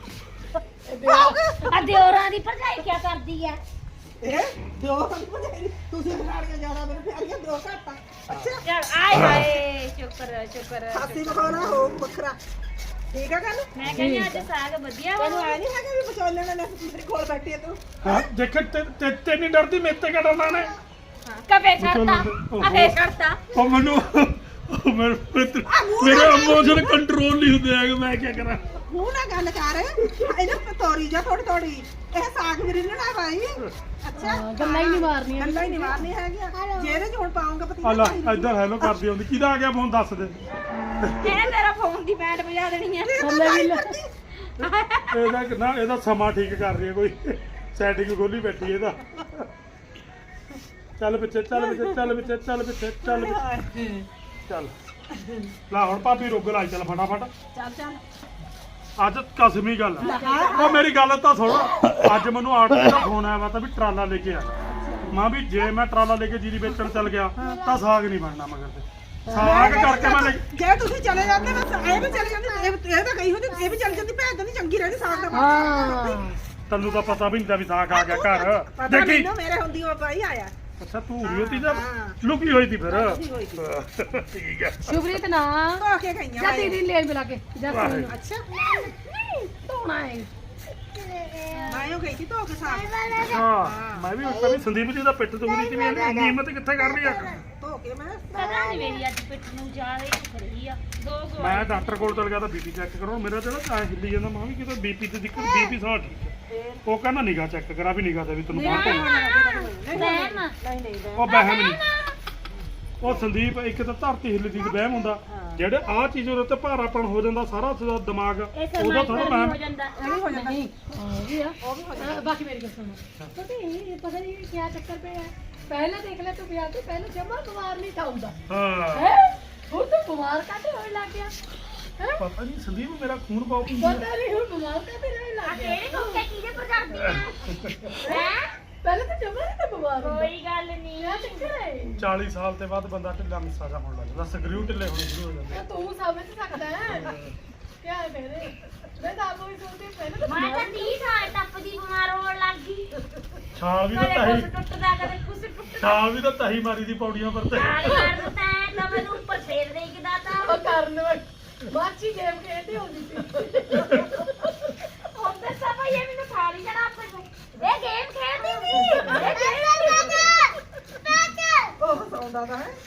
C: ਆ ਦਿਓਰਾਂ ਦੀ ਭਰਜਾਈ ਕੀ ਕਰਦੀ ਆ
D: ਇਹ ਦੋ ਤੁਸੀਂ ਬਿਗਾੜੀਆਂ ਜ਼ਿਆਦਾ ਮੈਨੂੰ ਪਿਆਰੀਆਂ ਦੋ ਘੱਟਾ ਅੱਛਾ
C: ਚੱਲ ਆਏ ਹਾਏ ਸ਼ੁਕਰ
D: ਹਾਸੀ ਮਖੌਲਾ ਹੋ ਵੱਖਰਾ ਠੀਕ ਆ ਗੱਲ
C: ਮੈਂ ਕਹਿੰਦੀ ਅੱਜ ਸਾਗ ਵਧੀਆ
D: ਤੈਨੂੰ
C: ਵਾ
D: ਐ ਨਹੀਂ ਹੈਗਾ ਵੀ ਵਿਚੋਲਣ ਨੇ ਮੇਰੇ ਕੋਲ ਬੈਠੀ ਆ ਤੂੰ
B: ਹਾਂ ਦੇਖ ਤੇ ਨਹੀਂ ਡਰਦੀ ਮੇਰੇ ਤੇ ਕਿਆ ਡਰਨਾ ਨੇ
C: ਕਵੇ ਛੱਡਤਾ ਅਫੇ ਛੱਡਤਾ
B: ਉਹ ਮੈਨੂੰ ਮੇਰੇ ਇਮੋਸ਼ਨ ਕੰਟਰੋਲ ਨਹੀਂ ਹੁੰਦੇ ਹੈਗੇ ਮੈਂ ਕੀ ਕਰਾਂ
D: ਮੂੰਹ ਨਾਲ ਗੱਲ ਕਰ ਇਹਨਾਂ ਤੋਰੀ ਜਾ ਥੋੜੀ ਇਹ ਸਾਗ ਵੀ ਰਿੰਨਣਾ ਭਾਈ ਅੱਛਾ
A: ਗੱਲਾਂ ਹੀ ਨਹੀਂ ਮਾਰਨੀਆਂ
D: ਗੱਲਾਂ ਹੀ ਨਹੀਂ ਮਾਰਨੀ ਹੈਗੀਆਂ ਜੇ ਇਹਦੇ ਚ ਹੁਣ ਪਾਉਂਗਾ
B: ਆ
D: ਪਤੀਲਾ
B: ਲੈ ਇੱਧਰ ਹੈਲੋ ਕਰਦੀ ਆਉਂਦੀ ਕਿਹਦਾ ਆ ਗਿਆ ਫੋਨ ਦੱਸ ਦੇ
C: ਇਹ ਤੇਰਾ ਫੋਨ ਦੀ ਬੈਂਡ ਵਜਾ ਦੇਣੀ ਆ
B: ਇਹਦਾ ਸਮਾਂ ਠੀਕ ਕਰ ਰਹੀ ਹੈ ਕੋਈ ਸੈਟਿੰਗ ਖੋਲੀ ਬੈਠੀ ਇਹਦਾ ਚੱਲ ਪਿੱਛੇ ਚੱਲ ਪਿੱਛੇ ਚੱਲ ਪਿੱਛੇ ਚੱਲ ਪਿੱਛੇ ਚੱਲ ਪਿੱਛੇ ਚੱਲ ਲਾ ਹੁਣ ਭਾਬੀ ਰੁੱਗ ਲਾਈ ਚੱਲ ਫਟਾਫਟ
D: ਚੱਲ
B: ਅੱਜ ਕਸਮੀ ਗੱਲ ਆ। ਉਹ ਮੇਰੀ ਗੱਲ ਤਾਂ ਸੁਣ ਅੱਜ ਮੈਨੂੰ ਆਟੋ ਦਾ ਫੋਨ ਆਇਆ ਵਾ ਤਾਂ ਵੀ ਟਰਾਲਾ ਲੈ ਕੇ ਆ ਮਾਂ ਵੀ ਜੇ ਮੈਂ ਟਰਾਲਾ ਲੈ ਕੇ ਜੀਰੀ ਵੇਚਣ ਚੱਲ ਗਿਆ ਤਾਂ ਸਾਗ ਨਹੀਂ ਬਣਨਾ ਮਗਰ ਤੇ ਸਾਗ ਕਰਕੇ ਮੈਂ ਲੈ
D: ਜੇ ਤੁਸੀਂ ਚਲੇ ਜਾਂਦੇ ਬਸ ਇਹ ਵੀ ਚਲੇ ਜਾਂਦੇ ਇਹ ਤਾਂ ਗਈ ਹੁੰਦੀ ਇਹ ਵੀ ਚਲ ਜਾਂਦੀ ਭੈਣ ਤਾਂ ਨਹੀਂ ਚੰਗੀ ਰਹਿੰਦੀ ਸਾਗ ਦਾ
A: ਹਾਂ
B: ਤੈਨੂੰ ਤਾਂ ਪਤਾ ਵੀ ਨਹੀਂ ਤਾਂ ਵੀ ਸਾਗ ਆ ਗਿਆ ਘਰ
D: ਪਤਾ
B: ਦੇਖੀ
D: ਮੈਨੂੰ ਮੇਰੇ ਹੁੰਦੀ ਉਹ ਭਾਈ ਆਇਆ
B: ਅੱਛਾ ਤੂੰ ਉਰੀ ਹੋਤੀ ਜਾਂ ਲੁਕੀ ਹੋਈ ਤੀ ਫਿਰ
D: ਲੁਕੀ ਹੋਈ
B: ਠੀਕ ਹੈ
A: ਸ਼ੁਭਰੀਤ ਨਾ
D: ਧੋ ਕੇ ਗਈਆਂ
A: ਜਾ ਦੀਦੀ ਲੈ ਮਿਲਾ ਕੇ ਜਾ
B: ਵਾਹਿਗੁਰੂ।
D: ਅੱਛਾ
A: ਧੋਣਾ ਹੈ
D: ਮੈਂ ਉਹ ਗਈ ਸੀ ਧੋ ਕੇ ਸਾਗ
B: ਹਾਂ ਮੈਂ ਵੀ ਉੱਥੇ ਵੀ ਸੰਦੀਪ ਜੀ ਦਾ ਪਿੱਠ ਦੁਖਦੀ ਸੀ ਵੀ ਇਹਨੇ ਹਿੰਮਤ ਕਿੱਥੇ ਕਰ ਲਈ ਆ
D: ਧੋ ਕੇ ਮੈਂ
C: ਪਤਾ ਨਹੀਂ ਮੇਰੀ ਅੱਜ ਪਿੱਠ ਨੂੰ ਜਾ ਰਹੀ ਦਿਖ ਰਹੀ ਆ ਦੋ
B: ਮੈਂ ਡਾਕਟਰ ਕੋਲ ਚਲ ਗਿਆ ਤਾਂ ਬੀਪੀ ਚੈੱਕ ਕਰਾਉਣ ਮੇਰਾ ਜਿਹੜਾ ਐ ਹਿੱਲੀ ਜਾਂਦਾ ਮੈਂ ਵੀ ਕਿਤੇ ਬੀਪੀ ਤੇ ਦਿੱਕਤ ਬੀਪੀ ਸਾਹ ਠੀਕ ਹੈ ਉਹ ਕਹਿੰਦਾ ਨਿਗਾ ਚੈੱਕ ਕਰਾ ਵੀ ਨਿਗਾ ਤੇ ਵੀ ਤੈਨੂੰ ਬਾਹਰ
C: ਵਹਿਮ
D: ਨਹੀਂ
B: ਉਹ ਵਹਿਮ ਨਹੀਂ ਉਹ ਸੰਦੀਪ ਇੱਕ ਤਾਂ ਧਰਤੀ ਹਿੱਲਦੀ ਤੇ ਵਹਿਮ ਹੁੰਦਾ ਜਿਹੜੇ ਆਹ ਚੀਜ਼ ਉਹਦੇ ਤੇ ਭਾਰਾਪਣ ਹੋ ਜਾਂਦਾ ਸਾਰਾ ਉਹਦਾ ਦਿਮਾਗ
C: ਇਹ
B: ਉਹਦਾ ਥੋੜਾ ਵਹਿਮ
C: ਹੋ ਜਾਂਦਾ
A: ਨਹੀਂ ਉਹ ਵੀ ਆ ਬਾਕੀ ਮੇਰੀ ਗੱਲ ਸੁਣੋ ਪਤਾ ਨਹੀਂ ਪਤਾ ਨਹੀਂ ਕੀ ਚੱਕਰ ਪਿਆ ਹੈ ਪਹਿਲਾਂ ਦੇਖ ਲੈ ਤੂੰ ਵਿਆਹ ਤੋਂ ਪਹਿਲਾਂ ਜਮਾ ਬਿਮਾਰ ਨਹੀਂ ਥਾ ਹੁੰਦਾ
B: ਹਾਂ
A: ਹੈ ਹੁਣ ਤੂੰ ਬਿਮਾਰ ਕਾਹਤੇ ਹੋਣ ਲੱਗ ਗਿਆ ਹੈ
B: ਪਤਾ ਨਹੀਂ ਸੰਦੀਪ ਮੇਰਾ ਖੂਨ ਬਹੁਤ
A: ਪਤਾ ਨਹੀਂ ਹੁਣ ਬਿਮਾਰ ਕਾਹਤੇ ਹੋਣ ਲੱਗ ਗਿਆ
C: ਤੇਰੇ ਕੋਕੇ ਕਿਹਦੇ ਪਰ ਕਰਦੀ ਆ ਹੈ
A: ਪਹਿਲਾਂ ਤਾਂ ਜਮਾ ਨਹੀਂ ਤਾਂ ਬਿਮਾਰ ਹੁੰਦਾ
C: ਕੋਈ ਗੱਲ ਨਹੀਂ
A: ਕਿਆ ਚੱਕਰ ਹੈ
B: 40 ਸਾਲ ਤੇ ਬਾਅਦ ਬੰਦਾ ਢਿੱਲਾ ਮਿੱਸਾ ਜਾ ਹੋਣ ਲੱਗਦਾ ਸਕਰੀਊ ਢਿੱਲੇ ਹੋਣੇ ਸ਼ੁਰੂ ਹੋ ਜਾਂਦੇ
A: ਤਾਂ ਤੂੰ ਸਮਝ ਸਕਦਾ ਹੈ ਕਿਆ ਹੈ ਮੇਰੇ ਮੈਂ ਤਾਂ ਆਪੋ ਹੀ ਸੋਚਦੀ ਪਹਿਲਾਂ ਤਾਂ
C: ਮੈਂ ਤਾਂ 30 ਸਾਲ ਟੱਪਦੀ ਬਿਮਾਰ ਹੋਣ ਲੱਗ ਗਈ
B: ਛਾਲ ਵੀ ਤਾਂ
C: ਕਦੇ
B: ਤਹੀ
C: ਕੁਛ ਟੁੱਟਦਾ ਕਦੇ ਕੁਛ ਟੁੱਟਦਾ
B: ਛਾਲ ਵੀ ਤਾਂ ਤਹੀ ਮਾਰੀ ਦੀ ਪੌੜੀਆਂ ਪਰ ਤੇ
C: ਨਾਲ ਕਰ ਤਾਂ ਮੈਨੂੰ ਉੱਪਰ ਫੇਰ ਦੇ ਕਿਦਾ ਤਾਂ
A: ਉਹ ਕਰਨ ਮਾਚੀ ਗੇਮ ਖੇਡਦੀ ਹੁੰਦੀ ਸੀ
C: ਉਹਦੇ ਸਭ ਇਹ ਮੈਨੂੰ ਖਾਲੀ ਜਣਾ ਆਪੇ ਇਹ ਗੇਮ ਖੇਡਦੀ ਸੀ ਇਹ ਗੇਮ
D: ਉਹ ਸੌਂਦਾ ਤਾਂ ਹੈ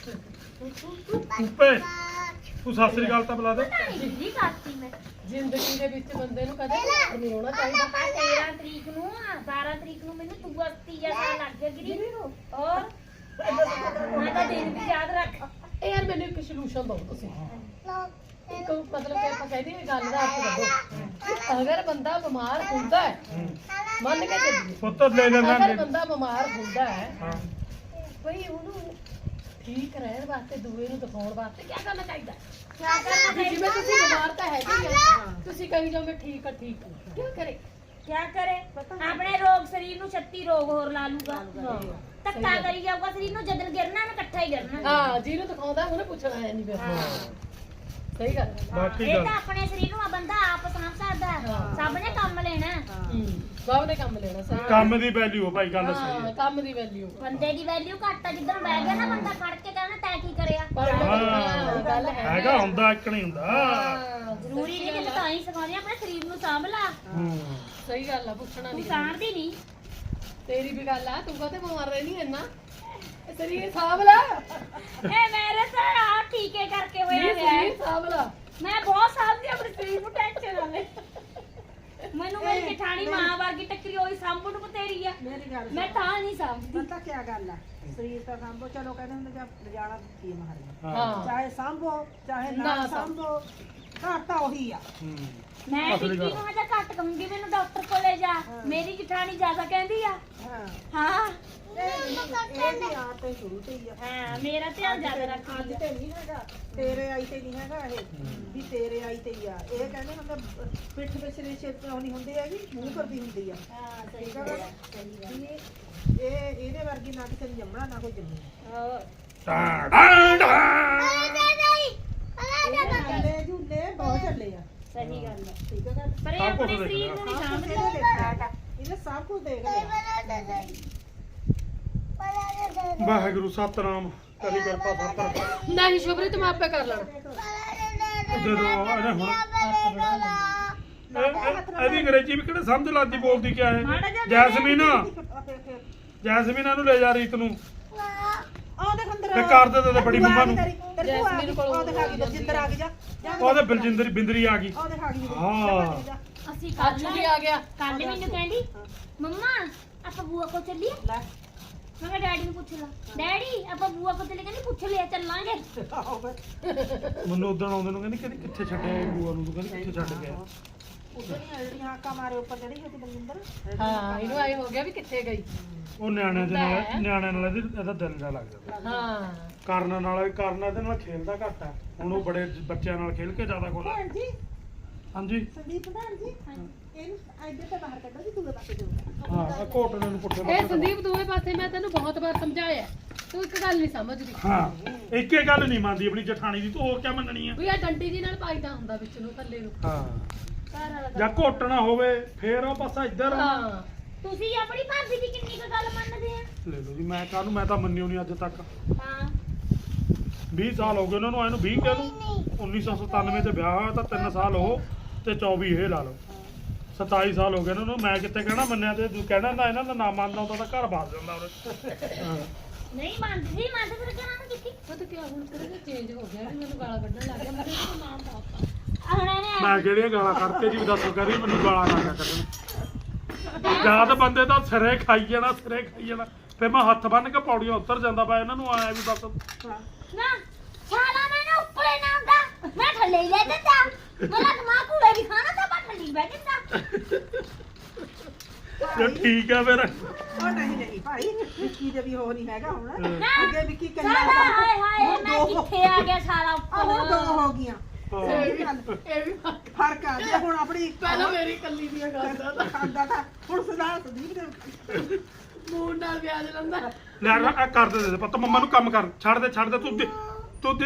B: ਉੱਪੇ ਤੂੰ ਸਤਿ ਸ੍ਰੀ ਅਕਾਲ ਤਾਂ ਬੁਲਾ ਦੇ
C: ਨਹੀਂ ਕਰਤੀ ਮੈਂ
A: ਜ਼ਿੰਦਗੀ ਦੇ ਵਿੱਚ ਬੰਦੇ ਨੂੰ ਕਦੇ ਬਿਮਾਰ ਨਹੀਂ ਹੋਣਾ ਚਾਹੀਦਾ
C: 13 ਤਰੀਕ ਨੂੰ 12 ਤਰੀਕ ਨੂੰ ਮੈਨੂੰ ਤੂੰ ਅਸਤੀ ਜੈਸਾ ਲੱਗ ਗਿਆ ਗਿਰੀ ਔਰ ਮੈਂ ਤਾਂ ਦਿਨ ਵੀ ਯਾਦ ਰੱਖ
A: ਇਹ ਯਾਰ ਮੈਨੂੰ ਇੱਕ ਸੋਲੂਸ਼ਨ ਦਿਓ ਤੁਸੀਂ ਇੱਕ ਮਤਲਬ ਕਿ ਆਪਾਂ ਕਹਿੰਦੇ ਇਹ ਗੱਲ ਦਾ ਅਰਥ ਦੱਸੋ ਅਗਰ ਬੰਦਾ ਬਿਮਾਰ ਹੁੰਦਾ ਹੈ ਮੰਨ ਕੇ ਚੱਲੀਏ
B: ਪੁੱਤ ਲੈ ਲੈਣਾ
A: ਅਗਰ ਬੰਦਾ ਬਿਮਾਰ ਹੁੰਦਾ ਹੈ
B: ਹਾਂ
A: ਭਈ ਉਹਨੂੰ ਠੀਕ ਰਹਿਣ ਵਾਸਤੇ ਦੂਏ ਨੂੰ ਦਿਖਾਉਣ ਵਾਸਤੇ ਕੀ ਕਰਨਾ ਚਾਹੀਦਾ
C: ਕਿਆ ਕਰਨਾ
A: ਵੀ ਜਿਵੇਂ ਤੁਸੀਂ ਬਿਮਾਰ ਤਾਂ ਹੈਗੇ ਹੀ ਆ ਤੁਸੀਂ ਕਹੀ ਜਾਓ ਮੈਂ ਠੀਕ ਆ ਠੀਕ ਆ ਕੀ ਕਰੇ
C: ਕਿਆ ਕਰੇ ਆਪਣੇ ਰੋਗ ਸਰੀਰ ਨੂੰ 36 ਰੋਗ ਹੋਰ ਲਾ ਲੂਗਾ ਧੱਕਾ ਕਰੀ ਜਾਊਗਾ ਸਰੀਰ ਨੂੰ ਜਦੋਂ ਗਿਰਨਾ ਨਾ ਇਕੱਠਾ ਹੀ ਗਿਰਨਾ
A: ਹਾਂ ਜਿਹਨੂੰ ਦਿਖਾਉਂਦਾ ਉਹਨੇ ਪੁੱਛਣਾ ਹੈ ਨਹੀਂ ਫਿਰ ਸਹੀ ਗੱਲ ਹੈ
B: ਬਾਕੀ
C: ਇਹ
B: ਗੱਲ
C: ਤਾਂ ਆਪਣੇ ਸਰੀਰ ਨੂੰ ਆ ਬੰਦਾ ਆਪ ਸਾਂਭ ਸਕਦਾ ਹੈ। ਸਭ ਨੇ ਕੰਮ ਲੈਣਾ
A: ਸਭ ਨੇ ਕੰਮ ਲੈਣਾ ਸਹੀ
B: ਕੰਮ ਦੀ ਵੈਲਿਊ ਭਾਈ ਗੱਲ ਸਹੀ
A: ਹਾਂ
B: ਹੈ
A: ਕੰਮ ਦੀ ਵੈਲਿਊ
C: ਬੰਦੇ ਦੀ ਵੈਲਿਊ ਘੱਟ ਆ ਜਿੱਦਣ ਬਹਿ ਗਿਆ ਨਾ ਬੰਦਾ ਫੜ ਕੇ ਕਹਿਣਾ ਤੈਂ ਕੀ ਕਰਿਆ
A: ਪਰ ਹਾਂ ਗੱਲ ਹੈ
B: ਹੈਗਾ ਹੁੰਦਾ ਇੱਕ ਨਹੀਂ ਹੁੰਦਾ
C: ਜ਼ਰੂਰੀ ਨਹੀਂ ਕਿ ਤਾਂ ਹੀ ਸਿਖਾਉਂਦੇ ਆਪਣੇ ਸਰੀਰ ਨੂੰ ਸਾਂਭ ਲਾ
B: ਹੂੰ
A: ਸਹੀ ਗੱਲ ਆ ਪੁੱਛਣਾ
C: ਤੂੰ
A: ਨਹੀਂ
C: ਸਾਂਭਦੀ ਨਹੀਂ
A: ਤੇਰੀ ਵੀ ਗੱਲ ਆ ਤੂੰ ਕਦੇ ਬਿਮਾਰ ਰਹਿਣੀ ਇੰਨਾ ਸਰੀਰ ਸਾਂਭ ਲੈ
C: ਇਹ ਮੇਰੇ ਤਾਂ ਆ ਟੀਕੇ ਕਰਕੇ ਹੋਇਆ
A: ਇਹ
C: ਹੋਇਆ ਹੈ।
A: ਸਰੀਰ ਸਾਂਭ ਲੈ
C: ਮੈਂ ਬਹੁਤ ਸਾਂਭਦੀ ਆਪਣੇ ਸਰੀਰ ਨੂੰ ਟੈਨਸ਼ਨ ਆਵੇ ਮੈਨੂੰ ਮੇਰੀ ਜਠਾਣੀ ਮਾਂ ਵਰਗੀ ਟੱਕਰੀ ਹੋਈ ਸਾਂਭਣ ਨੂੰ ਬਤੇਰੀ ਆ
D: ਮੇਰੀ ਗੱਲ
C: ਮੈਂ ਤਾਂ ਨਹੀਂ ਸਾਂਭਦੀ
D: ਪਤਾ ਕੀ ਗੱਲ ਆ ਸਰੀਰ ਤਾਂ ਸਾਂਭੋ ਚਲੋ ਕਹਿੰਦੇ ਹੁੰਦੇ ਜਾਂ ਜਾਣਾ ਕੀ ਮਹਾਰਾਜ
A: ਹਾਂ
D: ਚਾਹੇ ਸਾਂਭੋ ਚਾਹੇ
A: ਨਾ
D: ਨਾ ਸਾਂਭੋ ਘਰ ਤਾਂ ਉਹੀ ਆ
B: ਹੂੰ
C: ਮੈਂ
B: ਅਸਲੀ
C: ਟਿੱਕੀ
B: ਗੱਲ।
C: ਨੂੰ ਹਜੇ ਘੱਟ ਕਹੂੰਗੀ ਮੈਨੂੰ ਡਾਕਟਰ ਕੋਲੇ ਜਾ ਮੇਰੀ ਜਠਾਣੀ ਜ਼ਿਆਦਾ ਕਹਿੰਦੀ ਆ
D: ਹਾਂ
C: ਹਾਂ
D: ਇਹ ਵੀ ਆ ਤੇ ਸ਼ੁਰੂ ਤੇ ਹੀ ਆ
C: ਹਾਂ ਮੇਰਾ ਧਿਆਨ ਜ਼ਿਆਦਾ
D: ਅੱਜ
C: ਰੱਖਦੀ ਆ
D: ਤੇ ਨਹੀਂ ਹੈਗਾ ਤੇਰੇ ਆਈ ਤੇ ਨਹੀਂ ਹੈਗਾ ਇਹ ਵੀ ਤੇਰੇ ਆਈ ਤੇ ਹੀ ਆ ਇਹ ਕਹਿੰਦੇ ਹੁੰਦੇ ਪਿੱਠ ਪਿਛਲੇ ਛੇਤ ਨਹੀਂ ਹੁੰਦੀ ਹੈਗੀ ਮੂੰਹ ਕਰਦੀ ਹੁੰਦੀ ਆ
C: ਹਾਂ ਸਹੀ
D: ਠੀਕ ਆ
C: ਗੱਲ
D: ਗੱਲ?
C: ਆ, ਸਹੀ ਗੱਲ
D: ਇਹ ਇਹਦੇ ਵਰਗੀ ਨਾ ਕਿਸੇ ਨੂੰ ਜੰਮਣਾ ਨਾ ਕੋਈ ਜੰਮੀ
C: ਹੋਰ
B: ਟਾਂ ਟਾਂ ਟਾਂ
D: ਇਹ ਚੱਲੇ ਝੂਲੇ ਬਹੁਤ ਚੱਲੇ ਆ
C: ਸਹੀ ਗੱਲ ਆ
D: ਠੀਕ ਆ ਗੱਲ
C: ਪਰ ਇਹ
B: ਸਭ ਕੁਛ
C: ਆਪਣੇ ਸਰੀਰ
B: ਦੇਖਣਾ।
C: ਨੂੰ ਨਹੀਂ
D: ਸਭ ਕੁਛ
C: ਸਾਂਭਦੀ
D: ਇਹਨੇ ਦੇਖਿਆ ਇਹਨੇ ਸਭ ਕੁਝ ਦੇਖ ਲਿਆ
B: ਵਾਹਿਗੁਰੂ ਸਤਨਾਮ ਕਰੀ ਕਿਰਪਾ ਸਤਨਾਮ
A: ਨਹੀਂ ਸ਼ੁਭਰੀਤ ਮੈਂ ਆਪੇ ਕਰ ਲੈਣਾ
B: ਜਦੋਂ ਇਹਨੇ ਹੁਣ ਇਹਦੀ ਅੰਗਰੇਜ਼ੀ ਵੀ ਕਿਹੜੇ ਸਮਝ ਲੱਗਦੀ ਬੋਲਦੀ ਕਿਆ ਹੈ ਜੈਸਮੀਨ ਜੈਸਮੀਨ ਇਹਨੂੰ ਲੈ ਜਾ ਰੀਤ ਨੂੰ
D: ਆਹ ਦੇਖ ਅੰਦਰ
B: ਤੇ ਕਰ ਦੇ ਤੇ ਬੜੀ ਮੰਮਾ ਨੂੰ
D: ਜੈਸਮੀਨ ਕੋਲ ਉਹ ਦਿਖਾ ਗਈ ਬਲਜਿੰਦਰ ਆ ਗਈ ਜਾ
B: ਉਹਦੇ ਬਲਜਿੰਦਰ ਬਿੰਦਰੀ ਆ ਗਈ
D: ਉਹ ਦਿਖਾ ਗਈ
B: ਹਾਂ
C: ਅਸੀਂ
A: ਅੱਜ ਵੀ ਆ ਗਿਆ
C: ਕੱਲ ਮੈਨੂੰ ਕਹਿੰਦੀ ਮੰਮਾ ਆਪਾਂ ਬੂਆ ਕੋਲ ਚੱਲੀਏ
D: ਲੈ
C: ਮੈਂ ਕਿਹਾ ਡੈਡੀ ਨੂੰ ਪੁੱਛ ਲਾ ਡੈਡੀ ਆਪਾਂ ਬੂਆ ਕੋਲ ਚੱਲੇ ਕਹਿੰਦੀ ਪੁੱਛ ਲਿਆ ਚੱਲਾਂਗੇ
D: ਆਹੋ ਫਿਰ
B: ਮੈਨੂੰ ਉਦੋਂ ਆਉਂਦੇ ਨੂੰ ਕਹਿੰਦੀ ਕਹਿੰਦੀ ਕਿੱਥੇ ਛੱਡਿਆ ਇਹ ਬੂਆ ਨੂੰ ਤੂੰ ਕਹਿੰਦੀ ਕਿੱਥੇ ਛੱਡ ਗਿਆ
D: ਉਧਰ ਨਹੀਂ ਆਈ ਹਾਕਾ ਮਾਰੇ ਉੱਪਰ ਚੜੀ ਹੋਈ ਸੀ ਬਲਜਿੰਦਰ
A: ਹਾਂ ਇਹਨੂੰ ਆਏ ਹੋ ਗਿਆ ਵੀ ਕਿੱਥੇ ਗਈ
B: ਉਹ ਨਿਆਣਿਆਂ ਦੇ ਨਾਲ ਇਹਦਾ ਦਿਲ ਜਾ ਲੱਗ ਜਾਂਦਾ
A: ਹਾਂ
B: ਕਰਨ ਇਹਦੇ ਨਾਲ ਖੇਲਦਾ ਘੱਟ ਹੈ ਹੁਣ ਉਹ ਬੜੇ ਬੱਚਿਆਂ ਨਾਲ ਖੇਲ ਕੇ ਜ਼ਿਆਦਾ ਖੁਸ਼
D: ਭੈਣ ਜੀ
B: ਹਾਂਜੀ
D: ਸੰਦੀਪ ਪ੍ਰਧਾਨ ਜੀ ਇਹਨੂੰ ਇੱਧਰ ਤੇ ਬਾਹਰ ਕੱਢੋ ਜੀ ਦੂਏ ਪਾਸੇ ਜਾਊਗਾ
B: ਹਾਂ ਆਹ ਘੋਟਣੇ ਨੂੰ ਪੁੱਠੇ
A: ਇਹ
B: ਪਾਸੇ
A: ਸੰਦੀਪ ਦੋਵੇਂ ਪਾਸੇ ਮੈਂ ਤੈਨੂੰ ਬਹੁਤ ਵਾਰ ਸਮਝਾਇਆ ਤੂੰ ਇੱਕ ਗੱਲ ਨਹੀਂ ਸਮਝਦੀ
B: ਹਾਂ ਇੱਕੇ ਗੱਲ ਨਹੀਂ ਮੰਨਦੀ ਆਪਣੀ ਜਠਾਣੀ ਦੀ ਤੂੰ ਹੋਰ ਕਿਆ ਮੰਨਣੀ ਆ
A: ਵੀ ਆ ਡੰਡੀ ਜੀ ਨਾਲ ਪਾਈਦਾ ਹੁੰਦਾ ਵਿੱਚ ਨੂੰ ਥੱਲੇ ਨੂੰ
B: ਹਾਂ
A: ਘਰ ਵਾਲਾ
B: ਜਾਂ ਘੋਟਣਾ ਹੋਵੇ ਫੇਰ ਉਹ ਪਾਸਾ ਇੱਧਰ ਆ।
A: ਹਾਂ
C: ਤੁਸੀਂ ਆਪਣੀ ਭਾਬੀ ਦੀ ਕਿੰਨੀ ਕੁ ਗੱਲ ਮੰਨਦੇ ਆ
B: ਲੈ ਲਓ ਜੀ ਮੈਂ ਕਾਹਨੂੰ ਮੈਂ ਤਾਂ ਮੰਨਿਓ ਨਹੀਂ ਅੱਜ ਤੱਕ
C: ਹਾਂ
B: 20 ਸਾਲ ਹੋ ਗਏ ਉਹਨਾਂ ਨੂੰ ਆਏ ਨੂੰ 20 ਕਹਿ ਲਓ 1997 ਤੇ ਵਿਆਹ ਹੋਇਆ ਤਾਂ 3 ਸਾਲ ਉਹ ਤੇ 24 ਇਹ ਲਾ ਲਓ 27 ਸਾਲ ਹੋ ਗਏ ਉਹਨਾਂ ਨੂੰ ਮੈਂ ਕਿੱਥੇ ਕਹਿਣਾ ਮੰਨਿਆ ਤੇ ਤੂੰ ਕਹਿਣਾ ਨਾ ਇਹਨਾਂ ਦਾ ਨਾਮ ਮੰਨਦਾ ਹੁੰਦਾ ਤਾਂ ਘਰ ਬਾਸ ਜਾਂਦਾ ਉਹਨੇ
C: ਨਹੀਂ ਮੰਨਦੀ ਸੀ ਮੰਨਦੇ ਫਿਰ ਕਿਹਨਾਂ ਨੂੰ ਦਿੱਤੀ
A: ਪਤਾ ਕੀ ਹੁਣ ਕਿਹੜਾ ਚੇਂਜ ਹੋ ਗਿਆ ਵੀ ਮੈਨੂੰ ਗਾਲਾਂ ਕੱਢਣ ਲੱਗ ਗਿਆ ਮੈਂ ਇਹਨੂੰ ਨਾਮ ਪਾਤਾ
C: ਹੁਣ ਇਹਨੇ
B: ਮੈਂ ਕਿਹੜੀਆਂ ਗਾਲਾਂ ਕੱਢਕੇ ਜੀ ਦੱਸੋ ਕਰੀ ਮੈਨੂੰ ਗਾਲਾਂ ਨਾ ਕੱਢਣ ਜਾਂ ਤਾਂ ਬੰਦੇ ਤਾਂ ਸਿਰੇ ਖਾਈ ਜਾਣਾ ਫਿਰ ਮੈਂ ਹੱਥ ਬੰਨ ਕੇ ਪੌੜੀਆਂ ਉੱਤਰ ਜਾਂਦਾ ਪਾ ਇਹਨਾਂ ਨੂੰ ਆਇਆ ਵੀ ਦੱਸ
C: ਨਾ ਛਾਲਾ ਮੈਨੂੰ ਉੱਪਰੇ ਨਾ ਹੁੰਦਾ ਮੈਂ ਥੱਲੇ ਹੀ ਲੈ ਦਿੰਦਾ ਮੇਰਾ ਦਿਮਾਗ ਘੂੜੇ ਵੀ ਖਾਣਾ ਤਾਂ ਮੈਂ ਥੱਲੇ ਹੀ ਬਹਿ ਜਾਂਦਾ
B: ਜੇ ਠੀਕ ਆ ਫਿਰ
D: ਉਹ ਨਹੀਂ ਭਾਈ ਵਿੱਕੀ ਦੇ ਵੀ ਉਹ ਨਹੀਂ ਹੈਗਾ ਹੁਣ
C: ਨਾ
D: ਅੱਗੇ ਵਿੱਕੀ ਕੱਲਾ
C: ਛਾਲਾ ਹਾਏ ਹਾਏ ਮੈਂ
D: ਦੋ
C: ਕਿੱਥੇ ਆ ਗਿਆ ਛਾਲਾ
D: ਹੁਣ ਦੋ
C: ਉੱਪਰ
D: ਹੋ ਗਈਆਂ
A: ਇਹ ਵੀ
D: ਫਰਕ ਆ ਗਿਆ ਹੁਣ ਆਪਣੀ
A: ਪਹਿਲਾਂ ਮੇਰੀ ਕੱਲੀ ਦੀਆਂ ਗੱਲਾਂ
D: ਖਾਂਦਾ ਤਾਂ ਹੁਣ ਸੁਣਾ ਸੰਦੀਪ ਦੇ
A: ਮੂਡ ਨਾਲ ਵਿਆਜ ਲੰਦਾ
B: ਲੈ ਆ ਕਰ ਦੇ ਪੁੱਤ ਮੰਮਾ ਨੂੰ ਕੰਮ ਕਰ ਛੱਡ ਦੇ ਤੂੰ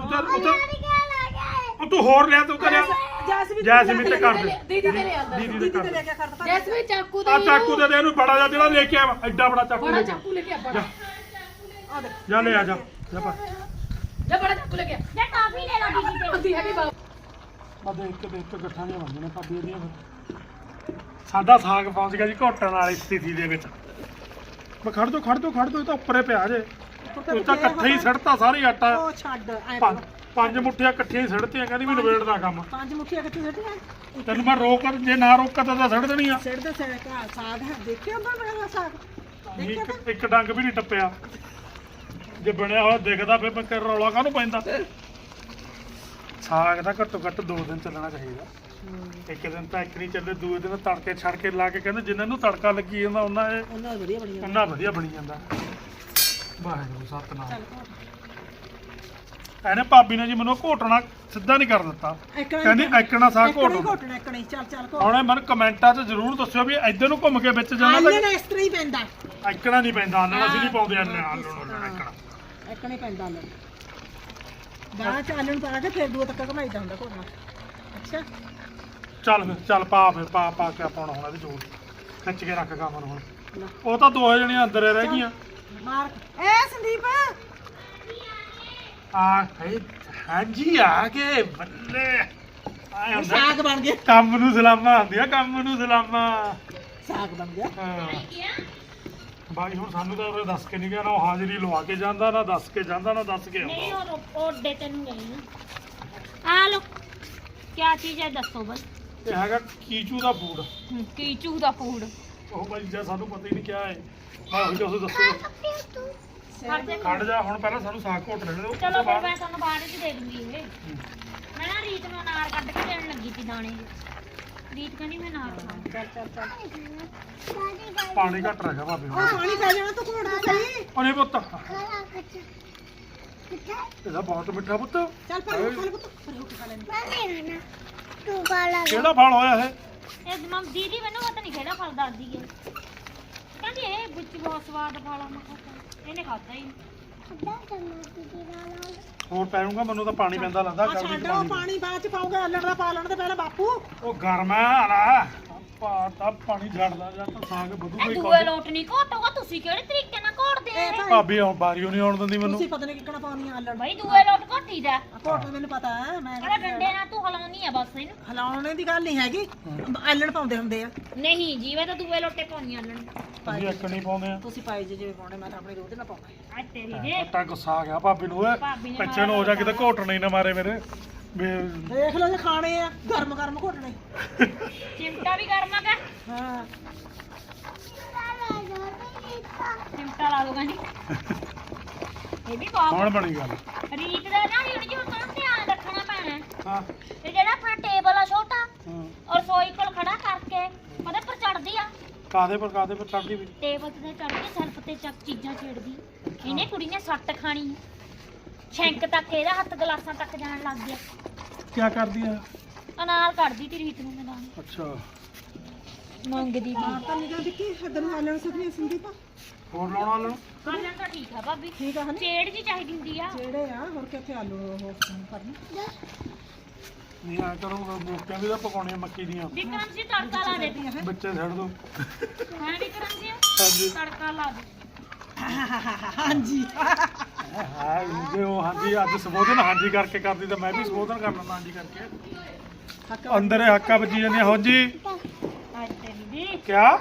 B: ਉਹ ਤੂੰ ਹੋਰ ਲਿਆ ਤੂੰ ਕਰਿਆ ਜੈਸਮੀਨ ਤੇ ਕਰ ਦੇ
A: ਦੀਦੀ ਤੇ ਲਿਆਂਦਾ
B: ਦੀਦੀ
D: ਦੀਦੀ
B: ਤੇ
D: ਤੇ
B: ਕਰ
D: ਲੈ ਕੇ ਕਰਦਾ
A: ਜੈਸਮੀਨ ਚਾਕੂ
B: ਆ
A: ਦੇ
B: ਚਾਕੂ ਦੇ ਇਹਨੂੰ ਬੜਾ ਜਿਹਾ ਜਿਹੜਾ ਲੈ ਕੇ ਆਇਆ ਐਡਾ ਬੜਾ ਚਾਕੂ
A: ਬੜਾ
B: ਲੈ ਕੇ
A: ਚਾਕੂ ਲੈ ਕੇ ਆ ਬੜਾ
D: ਆ ਦੇ
B: ਜਾ ਲੈ ਆ ਜਾ ਪਾ
A: ਜਾ ਬੜਾ ਚਾਕੂ ਲੈ ਕੇ ਆ
C: ਜੇ ਟਾਫੀ ਲੈ ਲਓ ਦੀਦੀ ਤੇ
A: ਹੁੰਦੀ ਹੈਗੀ ਬਾਪ
B: ਆ ਦੇਖ ਕੇ ਗੱਠਾਂ ਦੀਆਂ ਬਣਦੀਆਂ ਨੇ ਭਾਬੀ ਇਹਦੀਆਂ ਫਿਰ ਸਾਡਾ ਸਾਗ ਪਹੁੰਚ ਗਿਆ ਜੀ ਘੋਟਣ ਵਾਲੀ ਸਥਿਤੀ ਦੇ ਵਿੱਚ ਮੈਂ ਖੜ ਦੋ ਇਹ ਤਾਂ ਉੱਪਰੇ ਪਿਆ ਜੇ ਤੂੰ ਤਾਂ ਇਕੱਠੇ ਹੀ ਸੜਤਾ ਸਾਰੀ ਆਟਾ
D: ਉਹ ਛੱਡ ਐ
B: ਪੰਜ ਮੁੱਠੀਆਂ ਇਕੱਠੀਆਂ ਹੀ ਸੜਤੀਆਂ ਕਹਿੰਦੀ ਵੀ ਨਵੇੜਦਾ ਕੰਮ
D: ਪੰਜ ਮੁੱਠੀਆਂ ਕਿੱਥੇ ਸੱਟੀਆਂ
B: ਤੈਨੂੰ ਮੈਂ ਰੋਕ ਜੇ ਨਾ ਰੋਕਾਂ ਤਾਂ ਸੜ ਦੇਣੀ ਆ
D: ਸਿਰ ਦੇ ਸਿਰ ਕਾ ਸਾਗ ਹੈ ਦੇਖਿਆ ਬਣ ਰਿਹਾ ਸਾਗ
B: ਇੱਕ ਡੰਗ ਵੀ ਨਹੀਂ ਟੱਪਿਆ ਜੇ ਬਣਿਆ ਹੋਇਆ ਦਿਖਦਾ ਫਿਰ ਮੈਂ ਕਰ ਰੌਲਾ ਕਾਹਨੂੰ ਪੈਂਦਾ ਸਾਗ ਦਾ ਘੱਟੋ ਘੱਟ 2 ਦਿਨ ਚੱਲਣਾ ਚਾਹੀਦਾ ਇੱਕ ਦਿਨ ਤਾਂ ਇੱਕ ਨਹੀਂ ਚੱਲੇ ਦੂਏ ਦਿਨ ਤੜਕੇ ਛੜ ਕੇ ਲਾ ਕੇ ਕਹਿੰਦੇ ਜਿੰਨਾਂ ਨੂੰ ਤੜਕਾ ਲੱਗੀ ਜਾਂਦਾ
D: ਉਹਨਾਂ ਵਧੀਆ ਬਣੀ
B: ਉਹਨਾਂ ਵਧੀਆ ਬਣੀ ਜਾਂਦਾ ਵਾਹਿਗੁਰੂ ਸਤਨਾਮ ਇਹਨੇ ਭਾਬੀ ਨੇ ਜੀ ਮੈਨੂੰ ਘੋਟਣਾ ਸਿੱਧਾ ਨਹੀਂ ਕਰ ਦਿੱਤਾ ਕਹਿੰਦੀ ਐਕਣਾ ਸਾਗ ਘੋਟਣਾ
D: ਘੋਟਣਾ ਇੱਕਣੀ ਚੱਲ
B: ਹੁਣ ਮੈਨੂੰ ਕਮੈਂਟਾਂ 'ਚ ਜ਼ਰੂਰ ਦੱਸਿਓ ਵੀ ਇੱਧਰ ਨੂੰ ਘੁੰਮ ਕੇ ਵਿੱਚ ਜਾਣਾ ਤਾਂ
D: ਆਲਣ ਇਸ ਤਰ੍ਹਾਂ ਹੀ ਪੈਂਦਾ
B: ਐਕਣਾ ਨਹੀਂ ਪੈਂਦਾ ਆਲਣ ਅਸੀਂ ਨਹੀਂ ਪਾਉਂਦੇ ਆਲਣ ਐਕਣਾ
D: ਇੱਕਣੀ ਪੈਂਦਾ ਆਲਣ ਬਾਅਦ ਚ ਆਲਣ ਪਾ ਕੇ ਫਿਰ ਦੂਏ ਤੱਕ ਘਮਾਈਦਾ ਹੁੰਦਾ ਘੋਟਣਾ ਅੱਛਾ
B: ਚੱਲ ਪਾ ਕੇ ਪਾਉਣਾ ਹੁਣ ਇਹਦੇ ਜੋੜ ਖਿੱਚ ਕੇ ਰੱਖ ਕੰਮ ਨੂੰ ਹੁਣ ਉਹ ਤਾਂ ਦੋਹੇ ਜਣੀਆਂ ਅੰਦਰ ਹੀ ਰਹਿ ਗਈਆਂ
D: ਮਾਰ ਏ ਸੰਦੀਪ
B: ਹਾਂਜੀ ਆ ਗਏ ਬੱਲੇ ਆਏ ਹੁੰਦਾ
D: ਸਾਗ ਬਣ ਗਿਆ
B: ਕੰਮ ਨੂੰ ਸਲਾਮਾਂ ਹੁੰਦੀਆਂ ਕੰਮ ਨੂੰ ਸਲਾਮਾਂ
D: ਸਾਗ ਬਣ ਗਿਆ
B: ਹਾਂ ਬਾਈ ਹੁਣ ਸਾਨੂੰ ਤਾਂ ਉਹ ਦੱਸ ਕੇ ਨਹੀਂ ਗਿਆ ਨਾ ਉਹ ਹਾਜ਼ਰੀ ਲਵਾ ਕੇ ਜਾਂਦਾ ਨਾ ਦੱਸ ਕੇ ਜਾਂਦਾ ਨਾ ਦੱਸ ਕੇ
C: ਨਹੀਂ
B: ਆਉਂਦਾ
C: ਉਹ ਓਡੇ ਤੈਨੂੰ ਗਈ ਨਾ ਆ ਲੋ ਕੀ ਚੀਜ਼ ਹੈ ਦੱਸੋ ਬਈ
B: ਇਹ ਹੈਗਾ ਕੀਚੂ ਦਾ ਫੂਡ
C: ਕੀਚੂ ਦਾ ਫੂਡ
B: ਉਹ ਬਾਈ ਜੀ ਸਾਨੂੰ ਪਤਾ ਹੀ ਨਹੀਂ ਕਿਆ ਹੈ ਮੈਂ ਉਹ ਜੋ ਦੱਸੋ
C: ਫੜ ਦੇ
B: ਖੜ ਜਾ ਹੁਣ ਪਹਿਲਾਂ ਸਾਨੂੰ ਸਾਗ ਘੋਟ ਲੈਣ ਦਿਓ
C: ਚਲੋ ਫਿਰ ਮੈਂ ਤੁਹਾਨੂੰ ਬਾਅਦ ਵਿੱਚ ਦੇ ਦੂੰਗੀ ਇਹ ਮੈਂ ਨਾ ਰੀਤ ਨੂੰ ਅਨਾਰ ਕੱਢ ਕੇ ਦੇਣ ਲੱਗੀ ਸੀ ਦਾਣੇ ਰੀਤ ਕਹਿੰਦੀ ਮੈਂ ਅਨਾਰ ਖਾਣਾ
B: ਪਾਣੀ ਘੱਟ ਰਿਹਾ ਭਾਬੀ ਹੁਣ
D: ਉਹ ਪਾਣੀ ਪੈ ਜਾਣਾ ਤੂੰ ਘੋੜ ਦੇ ਸਹੀ
B: ਉਹਨੇ ਪੁੱਤ ਇਹਦਾ ਬਹੁਤ ਮਿੱਠਾ ਪੁੱਤ
D: ਚੱਲ ਪਰ ਖਾ ਲੈ ਪੁੱਤ ਪਰ ਰੋਟੀ ਖਾ ਲੈਣੀ
B: ਕਿਹੜਾ ਫਲ ਹੋਇਆ ਇਹ
C: ਇਹ ਮਮ ਦੀਦੀ ਮੈਨੂੰ ਪਤਾ ਨਹੀਂ ਕਿਹੜਾ ਫਲ ਦੱਸਦੀ ਹੈ ਕਹਿੰਦੀ ਇਹ ਵਿੱਚ ਬਹੁਤ ਸਵਾਦ ਫਲ ਆ ਮੈਂ ਕਿਹਾ ਚੱਲ। ਇਹਨੇ ਖਾਧਾ ਹੀ
B: ਹੋਰ ਪੈਣੂਗਾ ਮੈਨੂੰ ਤਾਂ ਪਾਣੀ ਪੈਂਦਾ ਲੱਗਦਾ
D: ਆ ਛੱਡ ਉਹ ਪਾਣੀ ਬਾਅਦ ਚ ਪਾਉਗਾ ਆਲਣ ਦਾ ਪਾ ਲੈਣ ਤੇ ਪਹਿਲਾਂ ਬਾਪੂ
B: ਉਹ ਗਰਮ ਹੈ ਆਲਾ ਤਾਂ ਪਾਣੀ ਛੱਡਦਾ ਜਾਂ ਤਾਂ ਸਾਗ ਵਧੂਗਾ
C: ਇਹ
B: ਹੀ
C: ਦੂਏ
B: ਖਾਂਦੇ।
C: ਲੋਟ ਨਹੀਂ ਘੋਟੋਗਾ ਤੁਸੀਂ ਕਿਹੜੇ ਤਰੀਕੇ ਨਾਲ ਘੋਟਦੇ
D: ਇਹ
C: ਆ
D: ਭਾਈ
B: ਭਾਬੀ ਹੁਣ ਬਾਰੀਓ ਨਹੀਂ ਆਉਣ ਦਿੰਦੀ ਮੈਨੂੰ
D: ਤੁਸੀਂ ਪਤਾ ਨਹੀਂ ਕਿੱਕਣਾ ਪਾਉਣੀ ਆਲਣ
C: ਬਈ ਦੂਏ ਲੋਟ ਘੋਟੀ ਦਾ
D: ਘੋਟ ਮੈਨੂੰ ਪਤਾ ਹੈ ਮੈਂ
C: ਇਹਦਾ ਡੰਡੇ ਨਾਲ ਤੂੰ ਹਲਾਉਣੀ ਆ ਬਸ ਇਹਨੂੰ
D: ਹਲਾਉਣੇ ਦੀ ਗੱਲ ਨਹੀਂ ਹੈਗੀ ਆਲਣ ਪਾਉਂਦੇ ਹੁੰਦੇ ਆ
C: ਨਹੀਂ ਜੀਵੇ ਤਾਂ ਦੂਏ ਲੋਟੇ ਪਾਉਣੀਆਂ ਲਣ
B: ਅਸੀਂ ਇੱਕ ਨਹੀਂ ਪਾਉਂਦੇ ਆ
D: ਤੁਸੀਂ ਪਾਈ ਜਿਹੜੇ ਪਾਉਣੇ ਮੈਂ ਤਾਂ ਆਪਣੀ ਰੋਜ਼ ਨਾਲ ਪਾਉਣਾ
C: ਆ ਤੇਰੀ ਦੇ
B: ਤਾਂ ਗੁੱਸਾ ਆ ਗਿਆ ਭਾਬੀ ਨੂੰ ਓਏ
C: ਭਾਬੀ ਨੇ
B: ਪਿੱਛੇ ਨੂੰ ਹੋ ਜਾ ਕਿਤੇ ਘੋਟਣੇ ਹੀ ਨਾ ਮਾਰੇ ਮੇਰੇ ਵੀ
D: ਦੇਖ ਲਓ ਜੇ ਖਾਣੇ ਆ ਗਰਮ ਗਰਮ ਘੋਟਣੇ
C: ਚਿਮਟਾ ਵੀ ਗਰਮਾ ਕਾ
D: ਹਾਂ
C: ਚਿਮਟਾ ਲਾ ਦੂਗਾ ਜੀ ਇਹ ਵੀ ਬਹੁਤ
B: ਹੁਣ ਬਣੀ ਗੱਲ
C: ਰੀਤ ਦਾ ਨਾ ਹੁਣ ਜੋ ਤਾਂ ਧਿਆਨ ਰੱਖਣਾ ਪੈਣਾ ਹੈ।
B: ਹਾਂ
C: ਤੇ ਜਿਹੜਾ ਆਪਣਾ ਟੇਬਲ ਆ ਛੋਟਾ
B: ਹਾਂ।
C: ਔਰ ਰਸੋਈ ਕੋਲ ਖੜਾ ਕਰਕੇ ਉਹਦੇ ਪਰ ਚੜਦੀ ਆ
B: ਕਾਦੇ ਪਰ ਚੜਦੀ ਵੀ
C: ਟੇਬਲ ਤੇ ਚੜ ਕੇ ਸੈਲਫ ਤੇ ਚੱਕ ਚੀਜ਼ਾਂ ਛੇੜਦੀ ਇਹਨੇ ਕੁੜੀ ਨੇ ਸੱਟ ਖਾਣੀ ਛੈਂਕ ਤੱਕ ਇਹਦਾ ਹੱਥ ਗਲਾਸਾਂ ਤੱਕ ਜਾਣ ਲੱਗ ਗਿਆ
B: ਕੀ ਕਰਦੀ ਆ
C: ਅਨਾਰ ਕੱਢਦੀ ਤੀ ਰੀਤ ਨੂੰ ਮੈਦਾਨ
B: ਅੱਛਾ
C: ਮੰਗਦੀ
D: ਹਾਂ ਤਾਂ ਨਿਕਲ ਦਿੱਕੀ ਇਧਰ ਨੂੰ ਆਲਣ ਸੁਖਨੀ ਸੰਦੀਪ
B: ਹੋਰ ਲਾਉਣਾ ਲੈਣ
C: ਆਲਣ ਤਾਂ ਠੀਕ ਆ ਭਾਬੀ
D: ਠੀਕ ਆ ਹਨੀ
C: ਛੇੜ ਜੀ ਚਾਹੀਦੀ ਹੁੰਦੀ ਆ
D: ਜਿਹੜੇ ਆ ਹੋਰ ਕਿੱਥੇ ਆਲੂ ਉਹ ਕਰਨੀ
B: ਨਹੀਂ ਆ ਕਰੋ ਮੋਕਿਆਂ ਵੀ ਤਾਂ ਪਕਾਉਣੀਆਂ ਮੱਕੀ ਦੀਆਂ
C: ਵਿਕਰਮ ਜੀ ਤੜਕਾ ਲਾ ਦੇ
B: ਬੱਚੇ ਛੱਡ ਦੋ
C: ਹਾਂ ਵਿਕਰਮ ਜੀ
B: ਹਾਂਜੀ
C: ਤੜਕਾ ਲਾ ਦੇ
D: ਹਾਂਜੀ
B: ਹਾਂ ਜੇ ਉਹ ਹਾਂਜੀ ਅੱਜ ਸੰਬੋਧਨ ਹਾਂਜੀ ਕਰਕੇ ਕਰਦੀ ਤਾਂ ਮੈਂ ਵੀ ਸੰਬੋਧਨ ਕਰ ਲੈਂਦਾ ਹਾਂਜੀ ਕਰਕੇ ਅੰਦਰ ਇਹ ਹੱਕਾ ਵੱਜੀ ਜਾਂਦੀਆਂ ਹੋ ਜੀ
C: ਅੱਜ ਤੇਰੀ ਦੀ
B: ਕਿਆ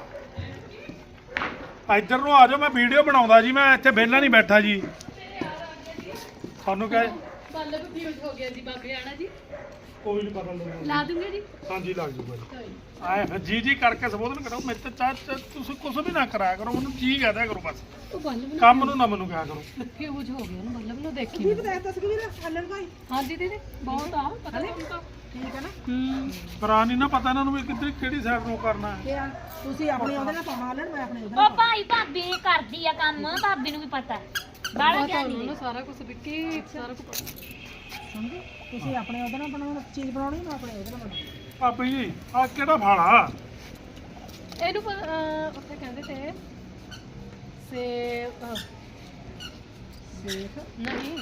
B: ਇੱਧਰ ਨੂੰ ਆ ਜਾਓ ਮੈਂ ਵੀਡੀਓ ਬਣਾਉਂਦਾ ਜੀ ਮੈਂ ਇੱਥੇ ਵਿਹਲਾ ਨਹੀਂ ਬੈਠਾ ਜੀ ਤੁਹਾਨੂੰ ਕਹੇ
A: ਬੱਲਬ ਫਿਊਜ਼ ਹੋ ਗਿਆ ਜੀ ਬਾਬੇ ਆਣਾ ਜੀ
B: ਕੋਈ ਨਹੀਂ ਪਤਾ ਲੱਗਦਾ
A: ਲਾ ਦੂੰਗੇ ਜੀ
B: ਹਾਂਜੀ ਲੱਗ ਜੂਗਾ ਜੀ ਆਏ ਫਿਰ ਜੀ ਕਰਕੇ ਸੰਬੋਧਨ ਕਰੋ ਮੇਰੇ ਤੇ ਚਾਹ ਤੁਸੀਂ ਕੁਝ ਵੀ ਨਾ ਕਰਾਇਆ ਕਰੋ ਮੈਨੂੰ ਜੀ ਕਹਦਿਆ ਕਰੋ ਬਸ
A: ਉਹ ਬੱਲਬ
B: ਕੰਮ ਨੂੰ ਨਾ ਮੈਨੂੰ ਕਿਹਾ ਕਰੋ
A: ਫਿਊਜ਼ ਹੋ ਗਿਆ ਨਾ ਬੱਲਬ ਨੂੰ ਦੇਖੀ
D: ਕੀ ਬਤਾਇਆ ਤਸਵੀਰ ਆਲਣ ਭਾਈ
A: ਹਾਂਜੀ ਦੀਦੀ ਬਹੁਤ ਆ ਪਤਾ ਨਹੀਂ ਤਾਂ
D: ਠੀਕ ਹੈ ਨਾ
B: ਕਰਾ ਨਹੀਂ ਨਾ ਪਤਾ ਇਹਨਾਂ ਨੂੰ ਵੀ ਕਿੱਧਰ ਕਿਹੜੀ ਸਾਈਡ ਨੂੰ ਕਰਨਾ ਹੈ
D: ਇਹ ਆ, ਤੁਸੀਂ ਆਪਣੀ ਉਹਦੇ ਨਾਲ ਪਾਉਣਾ ਆਲਣ ਮੈਂ ਆਪਣੇ ਉਹਦੇ ਨਾਲ
C: ਉਹ ਭਾਈ ਭਾਬੀ ਕਰਦੀ ਆ ਕੰਮ ਭਾਬੀ ਨੂੰ ਵੀ ਪਤਾ ਬਾਲਾ
A: ਪਤਾ
C: ਗਿਆਨੀ
A: ਉਹਨੂੰ ਸਾਰਾ ਕੁਝ ਵਿੱਕੀ ਸਾਰਾ ਕੁਝ
D: ਸਮਝੇ ਤੁਸੀਂ ਆਪਣੇ ਉਹਦੇ ਨਾਲ ਬਣਾਉਣਾ ਚੀਜ਼ ਬਣਾਉਣੀ ਮੈਂ ਆਪਣੇ ਉਹਦੇ ਨਾਲ ਬਣਾਉਣੀ
B: ਭਾਬੀ ਜੀ ਆ ਕਿਹੜਾ ਫਾਲਾ
A: ਇਹਨੂੰ ਉੱਥੇ ਕਹਿੰਦੇ ਤੇ ਸੇਬ ਸੇਬ ਨਹੀਂ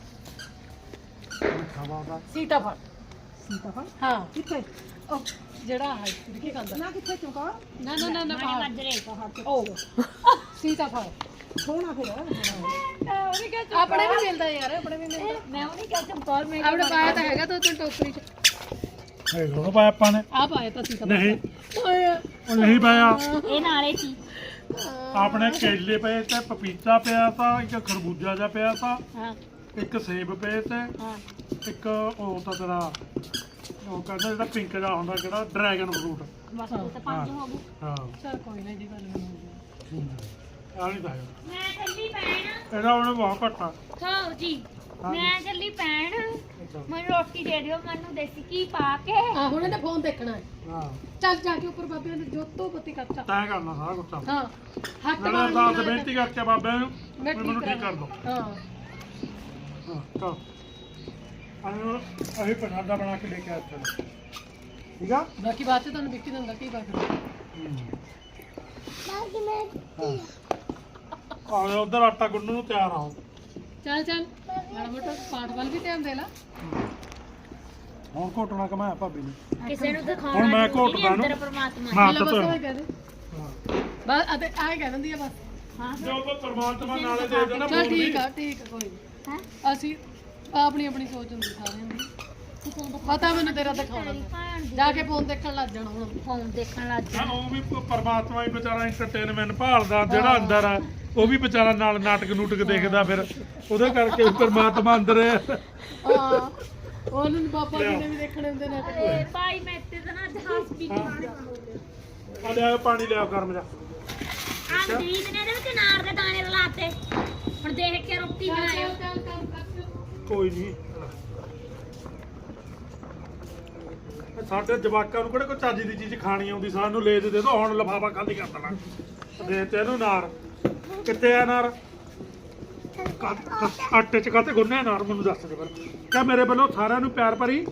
B: ਖਾਵਾਗਾ
A: ਸੀਤਾਫਲ
D: ਸੀਤਾਫਲ
A: ਹਾਂ
D: ਕਿੱਥੇ
A: ਉਹ ਜਿਹੜਾ ਹੈ ਵਿੱਕੀ ਖਾਂਦਾ
D: ਨਾ ਕਿੱਥੇ ਚੁਕਾ
A: ਨਾ ਨਾ ਨਾ ਨਾ
C: ਮਾੜੇ ਮੱਜਰੇ
A: ਉਹ ਸੀਤਾਫਲ
D: ਸੋਹਣਾ ਫਿਰ
A: ਉਹਨੇ ਕਿਹਾ ਆਪਣੇ ਵੀ ਮਿਲਦਾ ਯਾਰ ਆਪਣੇ ਵੀ ਮਿਲਦਾ
C: ਮੈਂ ਉਹਨੇ ਕਿਹਾ ਚੰਪਾਲ ਮੈਂ
A: ਆਪਣੇ ਪਾਇਆ ਤਾਂ ਹੈਗਾ ਤਾਂ ਤੂੰ ਟੋਕਰੀ ਚ
B: ਇਹ ਲੋੜ ਪਾਇਆ ਆਪਾਂ ਨੇ
A: ਆ ਪਾਇਆ ਤਾਂ ਸੀਤਾਫਲ
B: ਨਹੀਂ
A: ਓਏ
B: ਉਹ ਨਹੀਂ ਪਾਇਆ
C: ਇਹ ਨਾਲੇ ਸੀ
B: ਆਪਣੇ ਕੇਲੇ ਪਏ ਤੇ ਪਪੀਤਾ ਪਿਆ ਤਾਂ ਇੱਕ ਖਰਬੂਜਾ ਜਿਹਾ ਪਿਆ ਤਾਂ
C: ਹਾਂ
B: ਇੱਕ ਸੇਬ ਪਏ ਤੇ
C: ਹਾਂ
B: ਇੱਕ ਉਹ ਤਾਂ ਤੇਰਾ ਉਹ ਕਹਿੰਦਾ ਜਿਹੜਾ ਪਿੰਕ ਜਿਹਾ ਹੁੰਦਾ ਕਿਹੜਾ ਡਰੈਗਨ ਫਰੂਟ
C: ਬਸ ਉਹ ਤਾਂ ਪੰਜ ਹੋ ਗਏ
B: ਹਾਂ
A: ਚਲ ਕੋਈ ਨਹੀਂ ਜੀ ਗੱਲ ਨਹੀਂ
B: ਆ ਨਹੀਂ ਪਾਇਆ
C: ਮੈਂ ਚੱਲੀ ਪੈਣ
B: ਇਹਦਾ ਉਹਨੇ ਬਹੁਤ ਘੱਟਾ
C: ਖਾਓ ਜੀ ਮੈਂ ਚੱਲੀ ਪੈਣ ਮੈਨੂੰ ਰੋਟੀ ਦੇ ਦਿਓ ਮੈਨੂੰ ਦੇਸੀ ਘੀ ਪਾ ਕੇ
A: ਆ ਹੁਣ ਇਹਨੇ ਫੋਨ ਦੇਖਣਾ ਹੈ
B: ਹਾਂ
A: ਚੱਲ ਜਾ ਕੇ ਉੱਪਰ ਬਾਬਿਆਂ ਨੇ ਜੋਤੋਂ ਬੱਤੀ ਕੱਚਾ
B: ਤੈਅ ਕਰਨਾ ਸਾਰਾ ਕੁਝ
A: ਹਾਂ ਹੱਥ
B: ਮੈਂ
A: ਮਾਰ
B: ਤਾਂ ਬੇਨਤੀ ਕਰਕੇ ਬਾਬੇ ਨੂੰ
A: ਮੈਂ
B: ਵੀ ਮੈਨੂੰ
A: ਠੀਕ
B: ਠੀਕ ਕਰ ਦੋ
A: ਹਾਂ
B: ਹਾਂ ਚਲ ਅਸੀਂ ਪ੍ਰਸ਼ਾਦਾ ਬਣਾ ਕੇ ਲੈ ਕੇ ਆਏ ਚਲੋ ਠੀਕ ਆ
A: ਬਾਕੀ ਬਾਅਦ ਚ ਤੁਹਾਨੂੰ ਵਿੱਕੀ ਦਿੰਦਾ ਕੀ ਬਾਤ
B: ਆ ਉਧਰ ਆਟਾ ਗੁੰਨਣ ਨੂੰ ਤਿਆਰ ਆਓ
A: ਚੱਲ ਚੱਲ ਮਾੜਾ ਮੋਟਾ ਪਾਠ ਵੱਲ ਵੀ ਧਿਆਨ ਦੇ ਲਾ
B: ਹੁਣ ਘੋਟਣਾ ਕਮਾਇਆ ਭਾਬੀ ਨੇ
C: ਕਿਸੇ ਨੂੰ ਦਿਖਾਉਣਾ
B: ਹੁਣ ਮੈਂ
C: ਜ਼ਰੂਰੀ ਨਹੀਂ,
B: ਘੋਟਦਾ ਨੂੰ
C: ਅੰਦਰ ਪਰਮਾਤਮਾ
B: ਨਾ
A: ਬਸ
B: ਤਾਂ
A: ਉਹ ਕਹਿ ਦੇ ਬਸ ਅਤੇ ਆਏ ਕਹਿ ਦਿੰਦੀ ਆ ਬਸ
C: ਹਾਂ
B: ਜੋ ਕੋ ਪਰਮਾਤਮਾ ਨਾਲੇ ਦੇ ਦੇਣਾ
A: ਚੱਲ
B: ਬੋਲ
A: ਠੀਕ ਆ ਕੋਈ
C: ਹਾਂ
A: ਨਹੀਂ ਅਸੀਂ ਆਪਣੀ ਆਪਣੀ ਸੋਚ ਹੁੰਦੀ ਸਾਰਿਆਂ ਦੀ ਪਤਾ ਮੈਨੂੰ ਤੇਰਾ ਦਿਖਾਉਣਾ ਜਾ ਕੇ ਫੋਨ ਦੇਖਣ ਲੱਗ ਜਾਣਾ ਹੁਣ
C: ਫੋਨ ਦੇਖਣ ਲੱਗ
B: ਹਾਂ ਉਹ ਵੀ ਪਰਮਾਤਮਾ ਹੀ ਵਿਚਾਰਾ ਐਂਟਰਟੇਨਮੈਂਟ ਭਾਲਦਾ ਜਿਹੜਾ ਅੰਦਰ ਆ ਉਹ ਵੀ ਵਿਚਾਰਾ ਨਾਲ ਨਾਟਕ ਨੂਟਕ ਦੇਖਦਾ ਫਿਰ ਉਹਦੇ ਕਰਕੇ ਪਰਮਾਤਮਾ ਅੰਦਰ ਹੈ
A: ਹਾਂ ਉਹਨੂੰ ਬਾਬਾ ਜੀ ਨੇ ਵੀ ਦੇਖਣੇ ਹੁੰਦੇ ਨੇ
C: ਤੇ ਭਾਈ ਮੈਂ ਤੇ ਨਾ ਜਹਾਜ਼ ਵੀ
B: ਆ ਲਿਆ ਪਾਣੀ ਲਿਆ ਗਰਮ ਜਾ
C: ਅੰਦੀਤ ਨੇ ਇਹਦੇ ਵਿੱਚ ਨਾਰ ਦੇ ਦਾਣੇ ਰਲਾਤੇ ਹੁਣ ਦੇਖ ਕੇ ਰੋਟੀ ਬਣਾਇਓ
B: ਕੋਈ ਨਹੀਂ ਸਾਡੇ ਜਵਾਕਾਂ ਨੂੰ ਕਿਹੜੇ ਕੋਈ ਚੱਜ ਦੀ ਚੀਜ਼ ਖਾਣੀ ਆਉਂਦੀ ਸਾਨੂੰ ਲੈ ਦੇ ਦੋ ਹੁਣ ਲਫਾਫਾ ਖਾਲੀ ਕਰ ਦੇਣਾ ਦੇ ਤੇ ਇਹਨੂੰ ਨਾਰ ਕਿੱਥੇ ਆ ਨਾਰ ਆਟੇ ਚ ਕਾਤੇ ਗੁੰਨੇ ਨਾਰ ਮੈਨੂੰ ਦੱਸ ਦੇ ਫਿਰ ਕਿਆ ਮੇਰੇ ਵੱਲੋਂ ਸਾਰਿਆਂ ਨੂੰ ਪਿਆਰ ਭਰੀ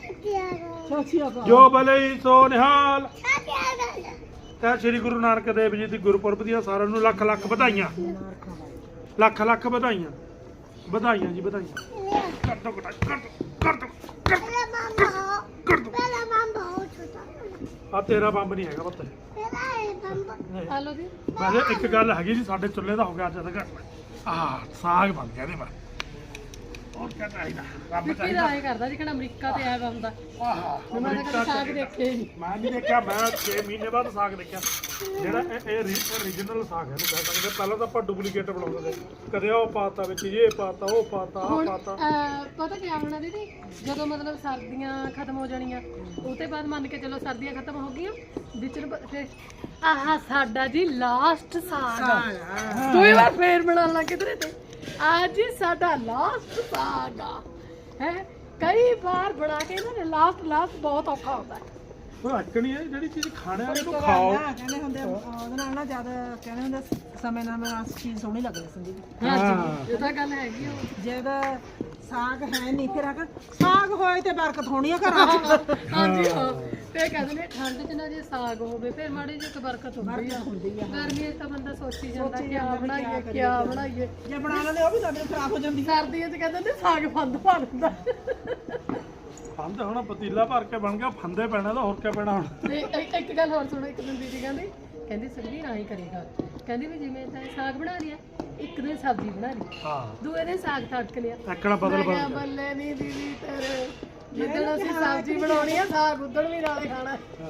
B: ਜੋ ਭਲੇ ਸੋ ਨਿਹਾਲ ਤਾਂ ਸ੍ਰੀ ਗੁਰੂ ਨਾਨਕ ਦੇਵ ਜੀ ਦੀ ਗੁਰਪੁਰਬ ਦੀਆਂ ਸਾਰਿਆਂ ਨੂੰ ਲੱਖ ਲੱਖ ਵਧਾਈਆਂ ਲੱਖ ਲੱਖ ਵਧਾਈਆਂ ਵਧਾਈਆਂ ਜੀ ਵਧਾਈਆਂ ਕਰ ਦੋ ਕਰ ਦੋ ਕਰ ਦੋ ਕਰ ਦੋ ਕਰ ਦੋ ਆ ਤੇਰਾ ਬੰਬ ਨਹੀਂ ਹੈਗਾ ਪੁੱਤ
A: ਆ ਲਓ ਜੀ
B: ਵੈਸੇ ਇੱਕ ਗੱਲ ਹੈਗੀ ਜੀ ਸਾਡੇ ਚੁੱਲ੍ਹੇ ਦਾ ਹੋ ਗਿਆ ਅੱਜ ਤੱਕ ਆਹ ਸਾਗ ਬਣ ਗਿਆ ਇਹਦੇ ਬਾਰੇ ਹੋਰ ਕਿਆ ਚਾਹੀਦਾ ਰੱਬ
A: ਵਿੱਕੀ ਦਾ
B: ਚਾਹੀਦਾ
A: ਐਂ ਕਰਦਾ ਜੀ ਕਿਹੜਾ ਅਮਰੀਕਾ ਤੇ ਆਇਆ ਵਾ ਹੁੰਦਾ
B: ਆਹ
A: ਮੈਂ ਤਾਂ ਕਦੇ ਸਾਗ ਦੇਖਿਆ ਹੀ ਨਹੀਂ
B: ਮੈਂ ਨਹੀਂ ਦੇਖਿਆ ਮੈਂ 6 ਮਹੀਨੇ ਬਾਅਦ ਸਾਗ ਦੇਖਿਆ ਜਿਹੜਾ ਇਹ ਰੀਜਨਲ ਸਾਗ ਹੈ ਇਹਨੂੰ ਕਹਿ ਸਕਦੇ ਪਹਿਲਾਂ ਤਾਂ ਆਪਾਂ ਡੁਪਲੀਕੇਟ ਬਣਾਉਂਦੇ ਸੀ ਕਦੇ ਉਹ ਪਾਤਾ ਵਿੱਚ ਇਹ ਪਾਤਾ ਉਹ ਪਾਤਾ ਆਹ
A: ਹੁਣ
B: ਪਾਤਾ
A: ਪਤਾ ਕੀ ਹੋਣਾ ਦੀਦੀ ਜਦੋਂ ਮਤਲਬ ਸਰਦੀਆਂ ਖਤਮ ਹੋ ਜਾਣੀਆਂ ਉਹ ਤੋਂ ਬਾਅਦ ਮੰਨ ਕੇ ਚਲੋ ਸਰਦੀਆਂ ਖਤਮ ਹੋ ਗਈਆਂ ਵਿੱਚ ਨੂੰ ਫਿਰ ਆਹ ਸਾਡਾ ਜੀ ਲਾਸਟ ਸਾਗ ਆ। ਕੋਈ ਵਾਰ ਫੇਰ ਬਣਾਉਣ ਲੱਗ ਕਿਧਰੇ ਤੇ ਅੱਜ ਹੀ ਸਾਡਾ ਲਾਸਟ ਸਾਗ ਆ ਹੈ ਕਈ ਵਾਰ ਬਣਾ ਕੇ ਇਹਨਾਂ ਨੇ ਲਾਸਟ ਬਹੁਤ ਔਖਾ ਹੁੰਦਾ ਹੈ
B: ਉਹ ਅੱਕਣੀ ਹੈ ਜਿਹੜੀ ਚੀਜ਼ ਖਾਣੇ ਵਾਲੇ ਨੂੰ
D: ਇੱਕ
B: ਖਾਓ
D: ਗੱਲ ਨਾ ਕਹਿੰਦੇ ਹੁੰਦੇ ਉਹਦੇ ਨਾਲ ਨਾ ਜਦ ਕਹਿੰਦੇ ਹੁੰਦੇ ਸਮੇਂ ਨਾਲ ਚੀਜ਼ ਸੋਹਣੀ ਲੱਗਦੀ ਸੰਦੀਪ
A: ਹਾਂਜੀ ਇਹ ਤਾਂ ਗੱਲ ਹੈਗੀ ਆ
D: ਜਦ ਸਾਗ ਹੈ ਨਹੀਂ ਫਿਰ ਆਖਣ ਸਾਗ ਹੋਏ ਤੇ ਬਰਕਤ ਹੋਣੀ ਆ ਘਰਾਂ 'ਚ
A: ਹਾਂਜੀ ਹਾਂ ਤੇ ਕਹਿੰਦੇ ਨੇ ਠੰਡ 'ਚ ਨਾ ਜੇ ਸਾਗ ਹੋਵੇ ਫਿਰ ਮਾੜੀ ਜਿਹੀ ਇੱਕ ਬਰਕਤ ਹੁੰਦੀ ਆ ਗਰਮੀ 'ਚ ਤਾਂ ਬੰਦਾ ਸੋਚੀ ਜਾਂਦਾ ਕਿਆ ਬਣਾਈਏ
D: ਜੇ ਬਣਾ ਲੈਂਦੇ ਉਹ ਵੀ ਸਾਡੇ ਖਰਾਬ ਹੋ ਜਾਂਦੀ
A: ਸਰਦੀਆਂ 'ਚ ਕਹਿੰਦੇ ਨੇ ਸਾਗ ਫੰਦ ਪਾ ਦਿੰਦਾ
B: ਫੰਦ ਹੁਣ ਪਤੀਲਾ ਭਰ ਕੇ ਬਣ ਗਿਆ ਫੰਦੇ ਪੈਣਾ ਤਾਂ ਹੋਰ ਕਿਆ ਪੈਣਾ ਹੁਣ
A: ਤੇ ਇੱਕ ਗੱਲ ਹੋਰ ਸੁਣੋ ਇੱਕ ਦਿਨ ਦੀਦੀ ਕਹਿੰਦੀ ਸੁਖਬੀਰ ਆਈ ਕਰੇਗਾ ਕਹਿੰਦੀ ਵੀ ਜਿਵੇਂ ਤਾਂ ਸਾਗ ਬਣਾ ਲਿਆ ਇੱਕ ਦਿਨ ਸਬਜ਼ੀ ਬਣਾ ਲਈ
B: ਹਾਂ
A: ਦੂਏ ਦਿਨ ਸਾਗ ਤੜਕ ਲਿਆ
B: ਐਕਣਾ ਬਦਲ
A: ਮੈਂ ਕਿਹਾ
B: ਬਦਲ
A: ਬੱਲੇ ਨਹੀਂ ਦੀਦੀ ਤੇਰੇ ਜਿੱਦਣ ਅਸੀਂ ਸਬਜ਼ੀ ਬਣਾਉਣੀ ਆ ਸਾਗ ਉਦਣ ਵੀ ਨਾਲੇ ਖਾਣਾ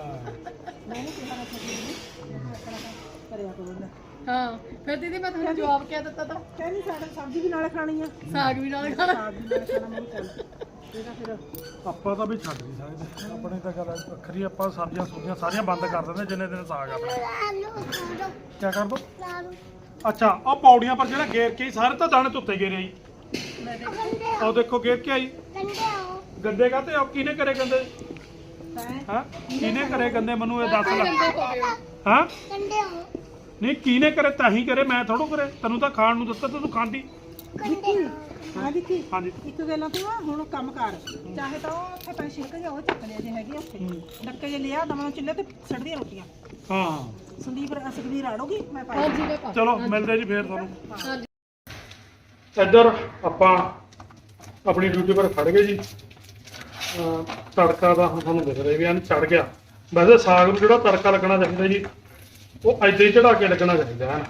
D: ਕਰਿਆ ਕਰੋ ਨਾ
A: ਹਾਂ ਫਿਰ ਦੀਦੀ ਮੈਂ ਤੁਹਾਨੂੰ ਜਵਾਬ ਕਿਆ ਦਿੱਤਾ ਤਾਂ
D: ਕਹਿੰਦੀ ਸਾਡੇ ਸਬਜ਼ੀ ਵੀ ਨਾਲੇ ਖਾਣੀ ਆ
A: ਸਾਗ ਵੀ ਨਾਲੇ ਖਾਣਾ
D: ਸਾਗ ਵੀ ਨਾਲੇ ਖਾਣਾ ਮੈਂ ਚੱਲ ਇਹਦਾ ਫਿਰ
B: ਆਪਾਂ ਤਾਂ ਵੀ ਛੱਡ ਨਹੀਂ ਸਕਦੇ ਆਪਣੇ ਤਾਂ ਗੱਲ ਵੱਖਰੀ ਆਪਾਂ ਸਬਜ਼ੀਆਂ ਸੁਬਜ਼ੀਆਂ ਸਾਰੀਆਂ ਬੰਦ ਕਰ ਦਿੰਦੇ ਜਿੰਨੇ ਦਿਨ ਸਾਗ ਆਪਣਾ ਕਿਆ ਕਰ ਦੋ ਅੱਛਾ ਉਹ ਪੌੜੀਆਂ ਪਰ ਜਿਹੜਾ ਗੇਰ ਕੇ ਆਈ, ਸਾਰੇ ਤਾਂ ਦਾਣੇ ਧੁੱਤੇ ਗੇਰੇ ਆਈ ਉਹ ਦੇਖੋ ਗੇਰ ਕੇ ਆਈ ਗੰਦੇ ਕਾਤੇ ਉਹ ਕਿਹਨੇ ਕਰੇ ਗੰਦੇ ਹਾਂ ਕਿਹਨੇ ਕਰੇ ਗੰਦੇ ਮੈਨੂੰ ਇਹ ਦੱਸ ਲੈ ਹਾਂ ਨਹੀਂ ਕਿਹਨੇ ਕਰੇ ਤਾਂ ਹੀ ਕਰੇ ਮੈਂ ਥੋੜੋ ਕਰੇ ਤੈਨੂੰ ਤਾਂ ਖਾਣ ਨੂੰ ਦਿੱਤਾ ਤੂੰ ਖਾਂਦੀ
D: ਹਾਂ ਵਿੱਕੀ
B: ਹਾਂਜੀ
D: ਇੱਕ ਗੱਲਾਂ ਤੂੰ ਆ ਹੁਣ ਕੰਮ ਕਰ ਚਾਹੇ ਤਾਂ ਉਹ ਉੱਥੇ ਪੈ ਛਿਲਕ ਜਾ ਉਹ ਚੱਕ ਲਿਆ ਜੇ ਹੈਗੇ ਉੱਥੇ ਡੱਕੇ ਜੇ ਲਿਆ ਦਵਾਂ ਚੁੱਲ੍ਹੇ ਤੇ ਸੜਦੀਆਂ ਰੋਟੀਆਂ
B: ਹਾਂ
D: ਸੰਦੀਪ ਸੁਖਬੀਰ ਆੜੋਗੀ ਮੈਂ ਪਾਈ
A: ਹਾਂਜੀ ਮੈਂ ਪਾ
B: ਚਲੋ ਮਿਲਦੇ ਜੀ ਫੇਰ ਤੁਹਾਨੂੰ
A: ਹਾਂਜੀ
B: ਇੱਧਰ ਆਪਾਂ ਆਪਣੀ ਡਿਊਟੀ ਪਰ ਖੜ ਗਏ ਜੀ ਤੜਕਾ ਦਾ ਹੁਣ ਤੁਹਾਨੂੰ ਦਿਖ ਰਿਹਾ ਵੀ ਐਨ ਚੜ ਗਿਆ ਵੈਸੇ ਸਾਗ ਨੂੰ ਜਿਹੜਾ ਤੜਕਾ ਲੱਗਣਾ ਚਾਹੀਦਾ ਜੀ ਉਹ ਏਦਾਂ ਹੀ ਚੜਾ ਕੇ ਲੱਗਣਾ ਚਾਹੀਦਾ ਹੈ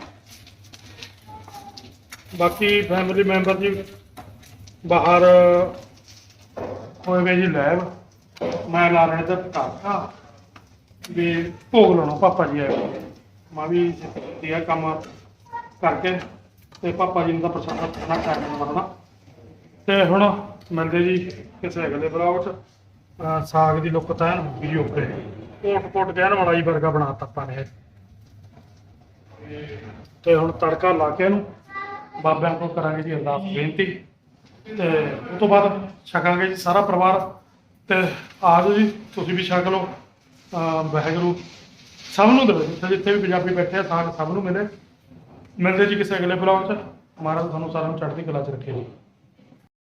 B: ਬਾਕੀ ਫੈਮਿਲੀ ਮੈਂਬਰ ਜੀ ਬਾਹਰ ਹੋਏ ਵੇ ਜੀ ਲੈਬ ਮੈਂ ਲਾ ਰਹੇ ਤੇ ਪਟਾਕਾ ਵੀ ਭੋਗ ਲਾਉਣਾ ਪਾਪਾ ਜੀ ਆਏ ਮੈਂ ਵੀ ਇਹ ਕੰਮ ਕਰਕੇ ਤੇ ਪਾਪਾ ਜੀ ਨੂੰ ਤਾਂ ਪ੍ਰਸ਼ਾਦਾ ਖਾਣਾ ਕਰਨਾ ਬਣਨਾ ਤੇ ਹੁਣ ਮਿਲਦੇ ਜੀ ਕਿਸੇ ਅਗਲੇ ਬਲੌਗ 'ਚ ਸਾਗ ਦੀ ਲੁੱਕ ਤਾਂ ਐਨ ਵੀ ਓਕੇ ਕੋਟ ਕਹਿਣ ਵਾਲਾ ਹੀ ਵਰਗਾ ਬਣਾਤਾ ਆਪਾਂ ਨੇ ਤੇ ਹੁਣ ਤੜਕਾ ਲਾ ਕੇ ਇਹਨੂੰ ਬਾਬਿਆਂ ਕੋਲ ਕਰਾਂਗੇ ਜੀ ਅਰਦਾਸ ਬੇਨਤੀ ਤੇ ਉਸ ਤੋਂ ਬਾਅਦ ਛਕਾਂਗੇ ਜੀ ਸਾਰਾ ਪਰਿਵਾਰ ਤੇ ਆ ਜਾਓ ਜੀ ਤੁਸੀਂ ਵੀ ਛਕ ਲਓ ਵਾਹਿਗੁਰੂ ਸਭ ਨੂੰ ਦੇਵੇ ਜਿੱਥੇ ਵੀ ਪੰਜਾਬੀ ਬੈਠੇ ਆ ਸਾਗ ਸਭ ਨੂੰ ਮਿਲੇ ਮਿਲਦੇ ਜੀ ਕਿਸੇ ਅਗਲੇ ਬਲੌਗ 'ਚ ਮਹਾਰਾਜ ਤੁਹਾਨੂੰ ਸਾਰਿਆਂ ਨੂੰ ਚੜ੍ਹਦੀ ਕਲਾ 'ਚ ਰੱਖੇ ਜੀ